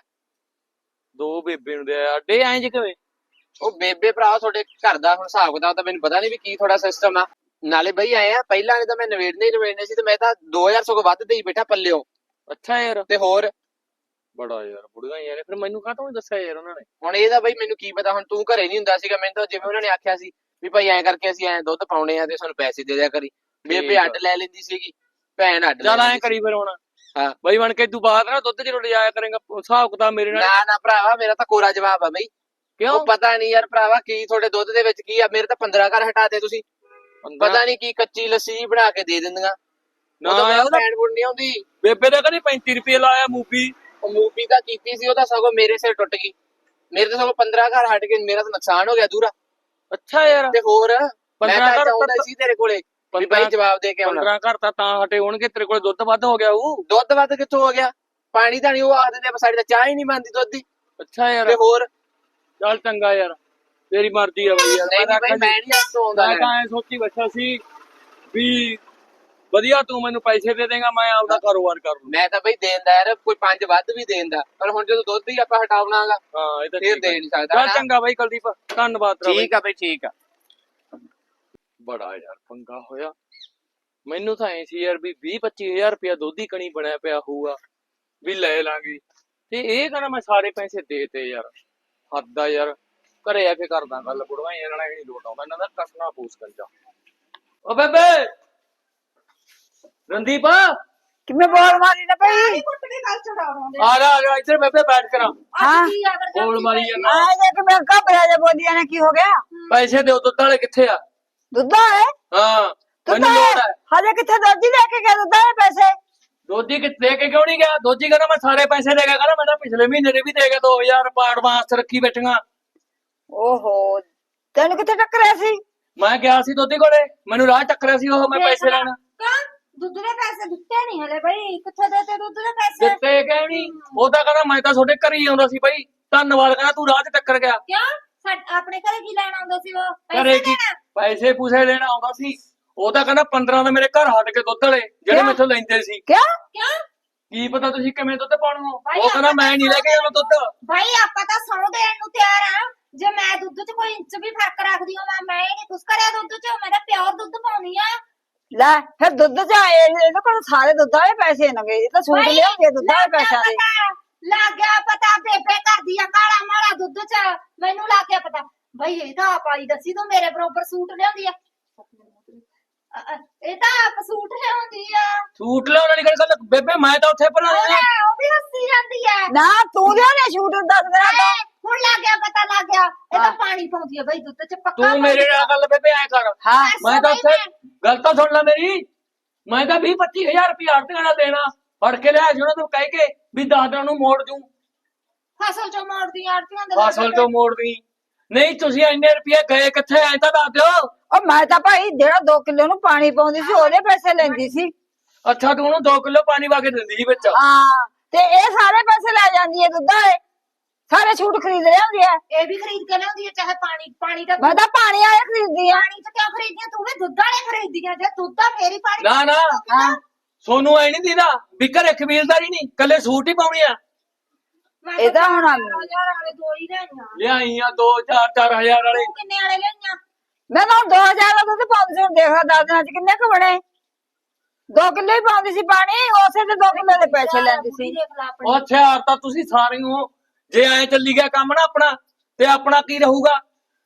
[SPEAKER 4] 2 ਬੇਬੇ ਨੂੰ ਦੇ ਅੱਡੇ ਐਂ ਜੇ ਕਿਵੇਂ?
[SPEAKER 3] ਉਹ ਬੇਬੇ ਭਰਾ ਤੁਹਾਡੇ ਘਰ ਦਾ ਹੁਣ ਹਿਸਾਬ ਕਿਤਾਬ ਤਾਂ ਮੈਨੂੰ ਪਤਾ ਨਹੀਂ ਵੀ ਕੀ ਤੁਹਾਡਾ ਸਿਸਟਮ ਆ। ਨਾਲੇ ਬਈ ਆਏ ਆ ਪਹਿਲਾਂ ਨੇ ਤਾਂ ਮੈਂ ਨਵੇੜਨੇ ਸੀ, ਤੇ ਮੈਂ ਤਾਂ 2000 ਸਗੋਂ ਵੱਧ ਦੇਈ ਬੈਠਾ ਪੱਲਿਓ।
[SPEAKER 4] ਅੱਛਾ ਯਾਰ,
[SPEAKER 3] ਤੇ ਹੋਰ
[SPEAKER 4] ਬੜਾ ਯਾਰ ਬੁੜੀਆਂ ਯਾਰ, ਫਿਰ ਮੈਨੂੰ ਕਾਹਤੋਂ ਨੀ ਦੱਸਿਆ ਯਾਰ ਉਹਨਾਂ ਨੇ?
[SPEAKER 3] ਹੁਣ ਇਹਦਾ ਬਈ ਮੈਨੂੰ ਕੀ ਪਤਾ, ਹੁਣ ਤੂੰ ਘਰੇ ਨਹੀਂ ਹੁੰਦਾ ਸੀਗਾ, ਮੈਨੂੰ ਤਾਂ ਜਿਵੇਂ ਉਹਨਾਂ ਨੇ ਆਖਿਆ ਸੀ ਵੀ ਭਾਈ ਐਂ ਕਰਕੇ ਅਸੀਂ ਐਂ ਦੁੱਧ ਪਾਉਣੇ ਆ ਤੇ ਸਾਨੂੰ ਪੈਸੇ ਦੇ ਦਿਆ ਕਰੀ। ਬੇਬੇ ਅੱਡ ਲੈ ਲੈਂਦੀ ਸੀਗੀ, ਭੈਣ ਅੱਡ ਲੈ
[SPEAKER 4] ਚੱਲ ਐਂ
[SPEAKER 3] ਲੈਂਦੀ
[SPEAKER 4] ਕਰੀ ਫਿਰ ਹੁਣ।
[SPEAKER 3] ਹਾਂ
[SPEAKER 4] ਬਾਈ ਬਣ ਕੇ ਤੂੰ ਬਾਅਦ ਨਾ ਦੁੱਧ ਚ ਜਾਇਆ ਕਰੇਗਾ, ਹਿਸਾਬ ਕਿਤਾਬ ਮੇਰੇ ਨਾਲ।
[SPEAKER 3] ਨਾ ਭਰਾਵਾ, ਮੇਰਾ ਤਾਂ ਕੋਰਾ ਜਵਾਬ ਆ ਬਈ।
[SPEAKER 4] ਕਿਉਂ?
[SPEAKER 3] ਉਹ ਪਤਾ ਨਹੀਂ ਯਾਰ ਭਰਾਵਾ ਕੀ ਤੁਹਾਡੇ ਦੁੱਧ ਦੇ ਵਿੱਚ ਕੀ ਆ, ਮੇਰੇ ਤਾਂ 15 ਘਰ ਹਟਾ ਦੇ ਤੁਸੀਂ। ਪਤਾ ਨਹੀਂ ਕੀ ਕੱਚੀ ਲੱਸੀ ਬਣਾ ਕੇ ਦੇ ਦਿੰਦੀਆਂ।
[SPEAKER 4] ਨਾ
[SPEAKER 3] ਉਹ ਤਾਂ
[SPEAKER 4] ਯਾਰ,
[SPEAKER 3] ਭੈਣ ਬੁੜ ਨਹੀਂ ਆਉਂਦੀ।
[SPEAKER 4] ਬੇਬੇ ਦਾ ਕਹਿੰਦੀ 35 ਰੁਪਏ ਲਾਇਆ ਮੂਵੀ।
[SPEAKER 3] ਉਹ ਮੂਵੀ ਤਾਂ ਕੀਤੀ ਸੀ, ਉਹ ਤਾਂ ਸਗੋਂ ਮੇਰੇ ਸਿਰ ਟੁੱਟ ਗਈ। ਮੇਰੇ ਤਾਂ ਸਗੋਂ 15 ਘਰ ਹਟ ਕੇ ਮੇਰਾ ਤਾਂ ਨੁਕਸਾਨ ਹੋ ਗਿਆ ਦੂਰਾ।
[SPEAKER 4] ਅੱਛਾ ਯਾਰ,
[SPEAKER 3] ਤੇ ਹੋਰ ਮੈਂ
[SPEAKER 4] 15
[SPEAKER 3] ਤਾਂ
[SPEAKER 4] ਘਰ
[SPEAKER 3] ਚਾਹੁੰਦਾ ਸੀ ਤੇਰੇ ਕੋਲੇ ਵੀ ਬਾਈ ਜਵਾਬ ਦੇ ਕੇ ਆਉਣਾ।
[SPEAKER 4] 15 ਘਰ ਤਾਂ ਹਟੇ ਹੋਣਗੇ, ਤੇਰੇ ਕੋਲ ਦੁੱਧ ਵੱਧ ਹੋ ਗਿਆ ਉਹ।
[SPEAKER 3] ਦੁੱਧ ਵੱਧ ਕਿੱਥੋਂ ਹੋ ਗਿਆ? ਪਾਣੀ ਤਾਂ ਨਹੀਂ, ਉਹ ਆਖਦੇ ਨੇ ਸਾਡੀ ਤਾਂ ਚਾਹ ਹੀ ਨਹੀਂ ਬਣਦੀ ਦੁੱਧ ਦੀ।
[SPEAKER 4] ਅੱਛਾ ਯਾਰ,
[SPEAKER 3] ਤੇ ਹੋਰ
[SPEAKER 4] ਚੱਲ ਚੰਗਾ ਯਾਰ, ਤੇਰੀ ਮਰਜ਼ੀ ਆ ਬਈ ਯਾਰ।
[SPEAKER 3] ਨਹੀਂ ਬਈ, ਮੈਂ ਨਹੀਂ ਹੱਥੋਂ ਆਉਂਦਾ।
[SPEAKER 4] ਮੈਂ ਤਾਂ ਐ ਸੋਚੀ ਬੈਠਾ ਸੀ ਵੀ ਵਧੀਆ ਤੂੰ ਮੈਨੂੰ ਪੈਸੇ ਦੇ ਦੇਗਾ, ਮੈਂ ਆਪਦਾ ਕਾਰੋਬਾਰ ਕਰ ਲੂੰ।
[SPEAKER 3] ਮੈਂ ਤਾਂ ਬਈ ਦੇਂਦਾ ਯਾਰ, ਕੋਈ 5 ਵੱਧ ਵੀ ਦੇਂਦਾ, ਪਰ ਹੁਣ ਜਦੋਂ ਦੁੱਧ ਹੀ ਆਪਾਂ ਹਟਾਉਣਾਗਾ
[SPEAKER 4] ਹਾਂ ਇਹ ਤਾਂ
[SPEAKER 3] ਫਿਰ
[SPEAKER 4] ਠੀਕ ਆ।
[SPEAKER 3] ਦੇ ਨਹੀਂ ਸਕਦਾ
[SPEAKER 4] ਚੱਲ
[SPEAKER 3] ਨਾ।
[SPEAKER 4] ਚੰਗਾ ਬਾਈ ਕੁਲਦੀਪ, ਧੰਨਵਾਦ ਤੇਰਾ ਬਾਈ।
[SPEAKER 3] ਠੀਕ ਆ ਬਈ, ਠੀਕ ਆ।
[SPEAKER 4] ਬੜਾ ਯਾਰ ਪੰਗਾ ਹੋਇਆ। ਮੈਨੂੰ ਤਾਂ ਐ ਸੀ ਯਾਰ ਵੀ 20-25 ਹਜ਼ਾਰ ਰੁਪਇਆ ਦੁੱਧ ਹੀ ਕਣੀ ਬਣਿਆ ਪਿਆ ਹੋਊਗਾ ਵੀ ਲੈ ਲਾਂਗੇ, ਤੇ ਇਹ ਕਹਿੰਦਾ ਮੈਂ ਸਾਰੇ ਪੈਸੇ ਦੇਤੇ ਯਾਰ। ਹੱਦ ਆ ਯਾਰ, ਘਰੇ ਆ ਕੇ ਕਰਦਾ ਗੱਲ, ਬੁੜਵਾ ਇਹਨਾਂ ਨਾਲ ਨਹੀਂ ਲੋਟ ਆਉਂਦਾ, ਇਹਨਾਂ ਦਾ ਕਸਣਾ ਪੂਸ ਕਰ ਜਾ। ਓ ਬੇਬੇ, ਰਣਦੀਪ
[SPEAKER 2] ਕਿਵੇਂ ਬੋਲ ਮਾਰੀ ਨਾ ਭਈ?
[SPEAKER 4] ਆ ਜਾ ਇੱਧਰ ਬੇਬੇ ਬੈਠ ਕਰਾਂ।
[SPEAKER 2] ਹਾਂ
[SPEAKER 4] ਬੋਲ ਮਾਰੀ ਜਾਂਦਾ।
[SPEAKER 2] ਆ ਜੇ ਕਿ ਮੈਂ ਘਬਰਾ ਜਾ ਬੋਲੀਆਂ ਨੇ, ਕੀ ਹੋ ਗਿਆ?
[SPEAKER 4] ਪੈਸੇ ਦਿਓ, ਦੁੱਧ ਵਾਲੇ ਕਿੱਥੇ ਆ?
[SPEAKER 2] ਦੁੱਧ ਹੈ
[SPEAKER 4] ਹਾਂ ਮੈਨੂੰ ਲੋੜ ਹੈ।
[SPEAKER 2] ਹਜੇ ਕਿੱਥੇ ਦੋਜੀ ਲੈ ਕੇ ਗਿਆ ਦੁੱਧ ਦੇ ਪੈਸੇ?
[SPEAKER 4] ਦੋਜੀ ਕਿੱਥੇ ਦੇ ਕੇ ਕਿਉਂ ਨਹੀਂ ਗਿਆ? ਦੋਜੀ ਕਹਿੰਦਾ ਮੈਂ ਸਾਰੇ ਪੈਸੇ ਦੇ ਗਿਆ, ਕਹਿੰਦਾ ਮੈਂ ਤਾਂ ਪਿਛਲੇ ਮਹੀਨੇ ਦੇ ਵੀ ਦੇ ਗਿਆ 2000 ਐਡਵਾਂਸ ਰੱਖੀ ਬੈਠੀਆਂ।
[SPEAKER 2] ਓਹੋ, ਤੈਨੂੰ ਕਿੱਥੇ ਟੱਕਰਿਆ ਸੀ?
[SPEAKER 4] ਮੈਂ ਗਿਆ ਸੀ ਦੋਦੀ ਕੋਲੇ, ਮੈਨੂੰ ਰਾਹ ਟੱਕਰਿਆ ਸੀ ਉਹ, ਮੈਂ ਪੈਸੇ ਲੈਣ।
[SPEAKER 1] ਦੁੱਧ ਦੇ ਪੈਸੇ ਦਿੱਤੇ ਨਹੀਂ ਹਲੇ ਬਈ, ਕਿੱਥੇ ਦੇਤੇ ਦੁੱਧ ਦੇ ਪੈਸੇ?
[SPEAKER 4] ਦਿੱਤੇ ਕਿ ਨਹੀਂ? ਉਹ ਤਾਂ ਕਹਿੰਦਾ ਮੈਂ ਤਾਂ ਤੁਹਾਡੇ ਘਰ ਹੀ ਆਉਂਦਾ ਸੀ ਬਈ, ਧੰਨਵਾਦ, ਕਹਿੰਦਾ ਤੂੰ ਰਾਹ 'ਚ ਟੱਕਰ ਗਿਆ।
[SPEAKER 1] ਕਿਉਂ ਆਪਣੇ ਘਰੇ ਕੀ ਲੈਣ ਆਉਂਦਾ ਸੀ ਉਹ?
[SPEAKER 4] ਘਰੇ ਕੀ ਪੈਸੇ ਪੂਸੇ ਲੈਣ ਆਉਂਦਾ ਸੀ? ਉਹ ਤਾਂ ਕਹਿੰਦਾ 15 ਦਾ ਮੇਰੇ ਘਰ ਹਟ ਕੇ ਦੁੱਧ ਵਾਲੇ ਜਿਹੜੇ ਮੈਥੋਂ ਲੈਂਦੇ ਸੀ।
[SPEAKER 2] ਕਿਉਂ?
[SPEAKER 4] ਕੀ ਪਤਾ ਤੁਸੀਂ ਕਿਵੇਂ ਦੁੱਧ ਪਾਉਣਾ? ਉਹ ਕਹਿੰਦਾ ਮੈਂ ਨਹੀਂ ਲੈ ਕੇ ਜਾਣਾ ਦੁੱਧ।
[SPEAKER 1] ਭਾਈ ਆਪਾਂ ਤਾਂ ਸੌ ਦੇਣ ਨੂੰ ਤਿਆਰ ਆ, ਜੇ ਮੈਂ ਦੁੱਧ 'ਚ ਕੋਈ ਇੰਚ ਵੀ ਫਰਕ ਰੱਖਦੀ ਹਾਂ ਮੈਂ ਨਹੀਂ ਕੁਛ ਕਰਿਆ ਦੁੱਧ 'ਚ, ਮੈਂ ਤਾਂ ਪਿਓਰ ਦੁੱਧ ਪਾਉਣੀ ਆ।
[SPEAKER 2] ਲੈ ਫਿਰ ਦੁੱਧ ਚ ਆਏ ਇਹਦੇ ਕੋਲ ਸਾਰੇ ਦੁੱਧ ਵਾਲੇ ਪੈਸੇ ਨਗੇ, ਇਹ ਤਾਂ ਸੂਟ ਲਿਆਉਂਦੇ ਦੁੱਧ ਵਾਲੇ ਪੈਸਿਆਂ ਦੇ।
[SPEAKER 1] ਲੱਗ ਗਿਆ ਪਤਾ, ਬੇਬੇ ਕਰਦੀ ਆ ਕਾਲਾ ਮਾਲਾ ਦੁੱਧ 'ਚ, ਮੈਨੂੰ ਲੱਗ ਗਿਆ ਪਤਾ। ਭਾਈ ਇਹ ਤਾਂ ਆਪ ਆਈ ਦੱਸੀ ਤੂੰ ਮੇਰੇ ਬਰੋਬਰ ਸੂਟ ਲਿਆਉਂਦੀ ਆ। ਇਹ ਤਾਂ ਆਪ ਸੂਟ ਲਿਆਉਂਦੀ ਆ
[SPEAKER 4] ਸੂਟ ਲਿਆਉਣ ਵਾਲੀ ਗੱਲ ਬੇਬੇ ਮੈਂ ਤਾਂ ਉੱਥੇ ਭਰਾ
[SPEAKER 1] ਉਹ ਵੀ ਹੱਸੀ ਜਾਂਦੀ ਆ
[SPEAKER 2] ਨਾ ਤੂੰ ਲਿਆਉਣੇ ਸ਼ੂਟ ਦੱਸ ਦੇਣਾ ਤਾਂ
[SPEAKER 1] ਹੁਣ ਲੱਗ ਗਿਆ ਪਤਾ ਲੱਗ ਗਿਆ ਇਹ ਤਾਂ ਪਾਣੀ ਪਾਉਂਦੀ ਆ ਬਈ ਦੁੱਧ ਚ ਪੱਕਾ
[SPEAKER 4] ਤੂੰ ਮੇਰੇ ਨਾਲ ਗੱਲ ਬੇਬੇ ਐ ਕਰ
[SPEAKER 2] ਹਾਂ
[SPEAKER 4] ਮੈਂ ਤਾਂ ਉੱਥੇ ਗੱਲ ਤਾਂ ਸੁਣ ਲੈ ਮੇਰੀ ਮੈਂ ਤਾਂ 20-25 ਹਜ਼ਾਰ ਰੁਪਇਆ ਆੜਤੀਆਂ ਦਾ ਦੇਣਾ ਫੜ ਕੇ ਲਿਆ ਉਹਨਾਂ ਤੋਂ ਕਹਿ ਕੇ ਵੀ 10 ਦਿਨਾਂ ਨੂੰ ਮੋੜ ਦੂੰ
[SPEAKER 1] ਫਸਲ ਚੋਂ ਮੋੜਦੀ ਆੜਤੀਆਂ ਦੇ
[SPEAKER 4] ਫਸਲ ਤੋਂ ਮੋੜ ਦੀ ਨਹੀਂ ਤੁਸੀਂ ਇੰਨੇ ਰੁਪਏ ਗਏ ਕਿੱਥੇ ਐ ਤਾਂ ਦੱਸ ਦਿਓ
[SPEAKER 2] ਉਹ ਮੈਂ ਤਾਂ ਭਾਈ ਜਿਹੜਾ 2 ਕਿਲੋ ਨੂੰ ਪਾਣੀ ਪਾਉਂਦੀ ਸੀ ਉਹਦੇ ਪੈਸੇ ਲੈਂਦੀ ਸੀ
[SPEAKER 4] ਅੱਛਾ ਤੂੰ ਉਹਨੂੰ 2 ਕਿਲੋ ਪਾਣੀ ਪਾ ਕੇ ਦਿੰਦੀ ਸੀ ਵਿੱਚ
[SPEAKER 2] ਹਾਂ ਤੇ ਇਹ ਸਾਰੇ ਪੈਸੇ ਲੈ ਜਾਂਦੀ ਹੈ ਦੁੱਧ ਵਾਲੇ ਸਾਰੇ ਛੂਟ ਖਰੀਦ ਲਿਆਉਂਦੀ ਹੈ
[SPEAKER 1] ਇਹ ਵੀ ਖਰੀਦ ਕੇ ਲਿਆਉਂਦੀ ਆ ਚਾਹੇ ਪਾਣੀ ਦਾ
[SPEAKER 2] ਮੈਂ ਤਾਂ ਪਾਣੀ ਵਾਲੇ ਖਰੀਦਦੀ ਆ
[SPEAKER 1] ਪਾਣੀ ਚ ਕਿਉਂ ਖਰੀਦੀਆਂ ਤੂੰ ਵੀ ਦੁੱਧ ਵਾਲੇ ਖਰੀਦੀਆਂ ਜੇ ਦੁੱਧ ਦਾ ਫੇਰ ਹੀ ਪਾਣੀ
[SPEAKER 4] ਨਾ ਨਾ
[SPEAKER 2] ਹਾਂ
[SPEAKER 4] ਸੋਨੂੰ ਐ ਨਹੀਂ ਦੀਦਾ ਵੀ ਘਰੇ ਕਬੀਲਦਾਰੀ ਨਹੀਂ ਕੱਲੇ ਸੂਟ ਹੀ ਪਾਉਣੀ ਆ
[SPEAKER 1] ਮੈਂ
[SPEAKER 2] ਇਹ ਤਾਂ ਹੁਣ
[SPEAKER 1] 4000 ਵਾਲੇ ਦੋ ਹੀ ਲੈਣੀਆਂ
[SPEAKER 4] ਲਿਆਈਆਂ 2-4 ਵਾਲੇ
[SPEAKER 1] ਤੂੰ ਕਿੰਨੇ ਵਾਲੇ ਲੈਣੀਆਂ
[SPEAKER 2] ਮੈਂ ਤਾਂ 2000 ਦਾ ਦੁੱਧ ਪਾਉਂਦੀ ਸੀ ਹੁਣ ਦੇਖਾ 10 ਦਿਨਾਂ ਚ ਕਿੰਨੇ ਕੁ ਬਣੇ 2 ਕਿਲੋ ਹੀ ਪਾਉਂਦੀ ਸੀ ਪਾਣੀ ਉਸੇ ਤੇ 2 ਕਿਲੋ ਦੇ ਪੈਸੇ ਲੈਂਦੀ ਸੀ
[SPEAKER 1] ਦੇਖ ਲਾ ਆਪਣੀ
[SPEAKER 4] ਉਹ ਹਥਿਆਰ ਤਾਂ ਤੁਸੀਂ ਸਾਰੇ ਹੋ ਜੇ ਐ ਚੱਲੀ ਗਿਆ ਕੰਮ ਨਾ ਆਪਣਾ ਤੇ ਆਪਣਾ ਕੀ ਰਹੂਗਾ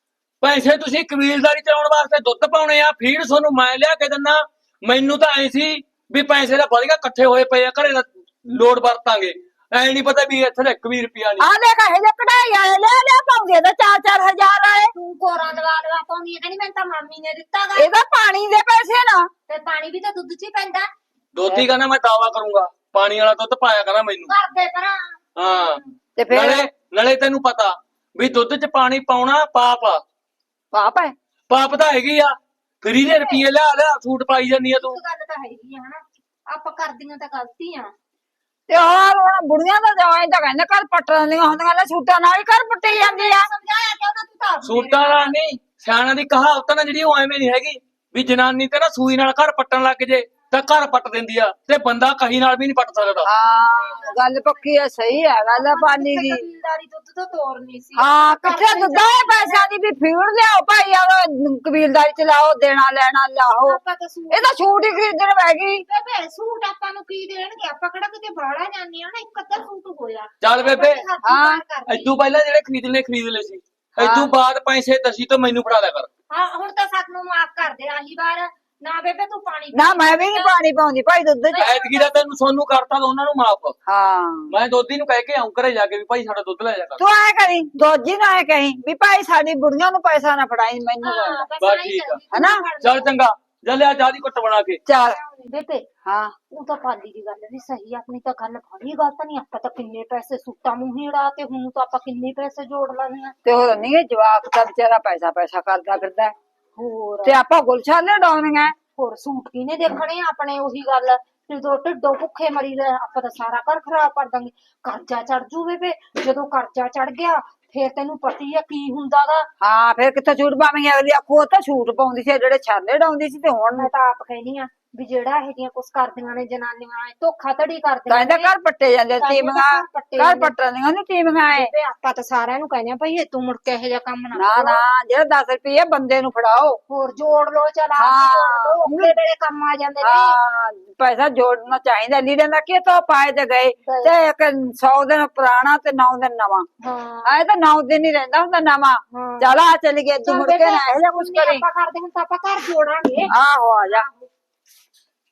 [SPEAKER 4] ਪੈਸੇ ਤੁਸੀਂ ਕਬੀਲਦਾਰੀ ਚਲਾਉਣ ਵਾਸਤੇ ਦੁੱਧ ਪਾਉਣੇ ਆ ਫੀਡ ਤੁਹਾਨੂੰ ਮੈਂ ਲਿਆ ਕੇ ਦਿੰਨਾ ਮੈਨੂੰ ਤਾਂ ਐ ਸੀ ਵੀ ਪੈਸੇ ਦਾ ਵਧੀਆ ਇਕੱਠੇ ਹੋਏ ਪਏ ਆ ਘਰੇ ਦਾ ਲੋੜ ਵਰਤਾਂਗੇ ਐ ਨਹੀਂ ਪਤਾ ਵੀ ਇੱਥੇ ਤਾਂ 1 ਵੀ ਰੁਪਿਆ ਨਹੀਂ
[SPEAKER 2] ਆ ਦੇਖ ਇਹ ਜੇ ਕਢਾਈ ਆਏ ਲੈ ਪਾਉਂਦੀ ਆ ਤਾਂ 4-4 ਹਜ਼ਾਰ ਵਾਲੇ
[SPEAKER 1] ਤੂੰ ਕੋਰਾਂ ਲਵਾ ਪਾਉਂਦੀ ਹੈ ਕਹਿੰਦੀ ਮੈਨੂੰ ਤਾਂ ਮਾਮੀ ਨੇ ਦਿੱਤਾ ਗਾ
[SPEAKER 2] ਇਹਦਾ ਪਾਣੀ ਦੇ ਪੈਸੇ ਨਾ
[SPEAKER 1] ਤੇ ਪਾਣੀ ਵੀ ਤਾਂ ਦੁੱਧ ਚ ਹੀ ਪੈਂਦਾ
[SPEAKER 4] ਦੋਤੀ ਕਹਿੰਦਾ ਮੈਂ ਦਾਵਾ ਕਰੂੰਗਾ ਪਾਣੀ ਵਾਲਾ ਦੁੱਧ ਪਾਇਆ ਕਹਿੰਦਾ ਮੈਨੂੰ
[SPEAKER 1] ਕਰਦੇ ਭਰਾ
[SPEAKER 4] ਹਾਂ
[SPEAKER 2] ਤੇ ਫਿਰ
[SPEAKER 4] ਨਾਲੇ ਤੈਨੂੰ ਪਤਾ ਵੀ ਦੁੱਧ 'ਚ ਪਾਣੀ ਪਾਉਣਾ ਪਾਪ ਆ
[SPEAKER 2] ਪਾਪ ਹੈ
[SPEAKER 4] ਪਾਪ ਤਾਂ ਹੈਗੀ ਆ ਫਰੀ ਦੇ ਰੁਪਏ ਲਿਆ ਸੂਟ ਪਾਈ ਜਾਂਦੀ ਆ ਤੂੰ
[SPEAKER 1] ਇੱਕ ਗੱਲ ਤਾਂ ਹੈਗੀ ਆ ਹਨਾ ਆਪਾਂ ਕਰਦੀਆਂ ਤਾਂ ਗਲਤੀਆਂ
[SPEAKER 2] ਤੇ ਹੋਰ ਹੁਣ ਬੁੜੀਆਂ ਦਾ ਜਵਾਈ ਤਾਂ ਕਹਿੰਦੇ ਘਰ ਪੱਟਣ ਦੀਆਂ ਹੁੰਦੀਆਂ ਲੈ ਛੂਟਾਂ ਨਾਲ ਹੀ ਘਰ ਪੱਟੇ ਜਾਂਦੀ ਆ
[SPEAKER 1] ਸਮਝਾਇਆ ਕਿ ਉਹਨਾਂ ਤੂੰ ਤਾਂ ਆਪ
[SPEAKER 4] ਸੂਟਾਂ ਨਾਲ ਨਹੀਂ ਸਿਆਣਾ ਦੀ ਕਹਾਵਤ ਨਾ ਜਿਹੜੀ ਉਹ ਐਵੇਂ ਨਹੀਂ ਹੈਗੀ ਵੀ ਜਨਾਨੀ ਤੇ ਨਾ ਸੂਈ ਨਾਲ ਘਰ ਪੱਟਣ ਲੱਗ ਜੇ ਤਾਂ ਘਰ ਪੱਟ ਦਿੰਦੀ ਆ ਤੇ ਬੰਦਾ ਕਹੀ ਨਾਲ ਵੀ ਨਹੀਂ ਪੱਟ ਸਕਦਾ
[SPEAKER 2] ਹਾਂ ਗੱਲ ਪੱਕੀ ਹੈ ਸਹੀ ਹੈ ਗੱਲ ਪਾਣੀ ਦੀ
[SPEAKER 1] ਕਬੀਲਦਾਰੀ ਦੁੱਧ ਤੋਂ ਤੋਰਨੀ ਸੀ
[SPEAKER 2] ਹਾਂ ਕਿੱਥੇ ਦੁੱਧਾਂ ਦੇ ਪੈਸਿਆਂ ਦੀ ਵੀ ਫੀਡ ਲਿਆਓ ਭਾਈ ਆ ਕਬੀਲਦਾਰੀ ਚ ਲਾਓ ਦੇਣਾ ਲੈਣਾ ਲਾਓ
[SPEAKER 1] ਆਪਾਂ ਤਾਂ ਸੂਟ
[SPEAKER 2] ਇਹ ਤਾਂ ਛੂਟ ਹੀ ਖਰੀਦਣ ਪੈ ਗਈ
[SPEAKER 1] ਬੇਬੇ ਸੂਟ ਆਪਾਂ ਨੂੰ ਕੀ ਦੇਣਗੇ ਆਪਾਂ ਕਿਹੜਾ ਕਿਤੇ ਬਾਹਲਾ ਜਾਂਦੇ ਆ ਨਾ ਇੱਕ ਅੱਧਾ ਸੂਟ ਹੋਇਆ
[SPEAKER 4] ਚੱਲ ਬੇਬੇ
[SPEAKER 2] ਹਾਂ,
[SPEAKER 4] ਇਦੋਂ ਪਹਿਲਾਂ ਜਿਹੜੇ ਖਰੀਦਣੇ ਖਰੀਦ ਲਏ ਸੀ ਇਦੋਂ ਬਾਅਦ ਪੈਸੇ ਦਸੀ ਤੋਂ ਮੈਨੂੰ ਫੜਾ ਦਿਆ ਕਰ
[SPEAKER 1] ਹਾਂ ਹੁਣ ਤਾਂ ਸਾਨੂੰ ਮਾਫ ਕਰ ਦੇ ਆਹੀ ਵਾਰ ਨਾ ਬੇਬੇ ਤੂੰ ਪਾਣੀ
[SPEAKER 2] ਨਾ ਮੈਂ ਵੀ ਨਹੀਂ ਪਾਣੀ ਪਾਉਂਦੀ ਭਾਈ ਦੁੱਧ ਚ
[SPEAKER 4] ਐਤਕੀ ਦਾ ਤੈਨੂੰ ਸੋਨੂੰ ਕਰਤਾ ਤਾਂ ਉਹਨਾਂ ਨੂੰ ਮਾਫ
[SPEAKER 2] ਹਾਂ
[SPEAKER 4] ਮੈਂ ਦੋਦੀ ਨੂੰ ਕਹਿ ਕੇ ਆਉਂ ਘਰੇ ਜਾ ਕੇ ਵੀ ਭਾਈ ਸਾਡਾ ਦੁੱਧ ਲੈ ਜਾ ਕਰ
[SPEAKER 2] ਤੂੰ ਐ ਕਰੀ ਦੋਜੀ ਨਾ ਐ ਕਹੀਂ ਵੀ ਭਾਈ ਸਾਡੀ ਬੁੜੀਆਂ ਨੂੰ ਪੈਸਾ ਨਾ ਫੜਾਈ ਮੈਨੂੰ
[SPEAKER 1] ਹਾਂ
[SPEAKER 2] ਦੇ।
[SPEAKER 1] ਬਸ
[SPEAKER 4] ਬਸ
[SPEAKER 1] ਆਹੀ
[SPEAKER 4] ਠੀਕ ਆ।
[SPEAKER 1] ਚੱਲਦੀ।
[SPEAKER 2] ਹਨਾ?
[SPEAKER 4] ਚੱਲ ਚੰਗਾ ਜਾ ਲਿਆ ਚਾਹ ਦੀ ਘੁੱਟ ਬਣਾ ਕੇ
[SPEAKER 2] ਚੱਲ
[SPEAKER 1] ਬੇਬੇ
[SPEAKER 2] ਹਾਂ
[SPEAKER 1] ਉਹ ਤਾਂ ਪਾਲੀ ਦੀ ਗੱਲ ਵੀ ਸਹੀ ਆ, ਆਪਣੀ ਤਾਂ ਗੱਲ ਬੜੀ ਗਲਤ ਨਹੀਂ। ਆਪਾਂ ਤਾਂ ਕਿੰਨੇ ਪੈਸੇ ਸੂਟਾਂ ਨੂੰ ਹੀ ਉਡਾ ਤੇ ਹੁਣ ਤਾਂ ਆਪਾਂ ਕਿੰਨੇ ਪੈਸੇ ਜੋੜ ਲੈਣੇ ਆ।
[SPEAKER 2] ਤੇ ਹੋਰ ਨਹੀਂ ਜਵਾਕ ਤਾਂ ਵਿਚਾਰਾ ਪੈਸਾ ਕਰਦਾ ਫਿਰਦਾ ਹੈ।
[SPEAKER 1] ਹੋਰ
[SPEAKER 2] ਤੇ ਆਪਾਂ ਗੁਲਸ਼ਾਨੇ ਡਾਉਣੀਆਂ
[SPEAKER 1] ਹੋਰ ਸੂਟ ਕਿਹਨੇ ਦੇਖਣੇ ਆ ਆਪਣੇ? ਉਹੀ ਗੱਲ ਜਦੋਂ ਢਿੱਡੋਂ ਭੁੱਖੇ ਮਰੀ ਲੈ ਆਪਾਂ ਤਾਂ ਸਾਰਾ ਘਰ ਖਰਾਬ ਕਰ ਦਾਂਗੇ। ਕਰਜ਼ਾ ਚੜ ਜੂ ਬੇਬੇ, ਜਦੋਂ ਕਰਜ਼ਾ ਚੜ ਗਿਆ ਫੇਰ ਤੈਨੂੰ ਪਤੀ ਆ ਕੀ ਹੁੰਦਾ ਗਾ।
[SPEAKER 2] ਹਾਂ ਫਿਰ ਕਿੱਥੇ ਛੂਟ ਪਾਵੇਂਗੇ ਅਗਲੀ ਆਖੋ ਉਹ ਤਾਂ ਛੂਟ ਪਾਉਂਦੀ ਸੀ ਜਿਹੜੇ ਛਾਲੇ ਡਾਉਂਦੀ ਸੀ ਤੇ ਹੁਣ
[SPEAKER 1] ਮੈਂ ਤਾਂ ਆਪ ਕਹਿੰਦੀ ਆ ਵੀ ਜਿਹੜਾ ਇਹ ਜੀਆਂ ਕੁਛ ਕਰਦੀਆਂ ਨੇ ਜਨਾਨੀਆਂ ਐ ਧੋਖਾ ਧੜੀ ਕਰਦੀਆਂ
[SPEAKER 2] ਕਹਿੰਦਾ
[SPEAKER 1] ਨੇ।
[SPEAKER 2] ਘਰ ਪੱਟੇ ਜਾਂਦੇ ਟੀਮਾਂ ਘਰ ਪੱਟਣ ਦੀਆਂ ਨੇ ਟੀਮਾਂ ਐ
[SPEAKER 1] ਬੇਬੇ ਆਪਾਂ ਤਾਂ ਸਾਰਿਆਂ ਨੂੰ ਕਹਿੰਦੇ ਆ ਭਈ ਇਹ ਤੂੰ ਮੁੜ ਕੇ ਇਹੋ ਜਿਹਾ ਕੰਮ ਨਾ
[SPEAKER 2] ਨਾ
[SPEAKER 1] ਕਰੋ।
[SPEAKER 2] ਨਾ ਜਿਹੜਾ 10 ਰੁਪਏ ਬੰਦੇ ਨੂੰ ਫੜਾਓ
[SPEAKER 1] ਹੋਰ ਜੋੜ ਲੋ ਚਲ
[SPEAKER 2] ਹਾਂ।
[SPEAKER 1] ਜੋੜ ਲੋ ਉਹਦੇ ਵੇਲੇ ਕੰਮ ਆ ਜਾਂਦੇ ਨੇ।
[SPEAKER 2] ਹਾਂ ਪੈਸਾ ਜੋੜਨਾ ਚਾਹੀਦਾ ਲੀੜੇ ਦਾ ਕੀ ਤੋਂ ਪਾਏ ਤੇ ਗਏ ਤੇ ਇੱਕ 100 ਦਿਨ ਪੁਰਾਣਾ ਤੇ 9 ਦਿਨ ਨਵਾਂ
[SPEAKER 1] ਹਾਂ
[SPEAKER 2] ਆਏ ਤਾਂ 9 ਦਿਨ ਹੀ ਰਹਿੰਦਾ ਹੁੰਦਾ ਨਵਾਂ
[SPEAKER 1] ਹਾਂ।
[SPEAKER 2] ਚਲ ਆ ਚੱਲ ਗਏ ਤੂੰ
[SPEAKER 1] ਚੱਲ
[SPEAKER 2] ਮੁੜ ਕੇ
[SPEAKER 1] ਬੇਬੇ,
[SPEAKER 2] ਨਾ ਇਹੋ ਜਿਹਾ ਕੁਛ
[SPEAKER 1] ਜਿੰਨੇ
[SPEAKER 2] ਕਰੀ
[SPEAKER 1] ਆਪਾਂ ਕਰਦੇ ਹੁਣ ਤਾਂ ਆਪਾਂ ਘਰ ਜੋੜਾਂਗੇ।
[SPEAKER 2] ਆਹੋ ਆ ਜਾ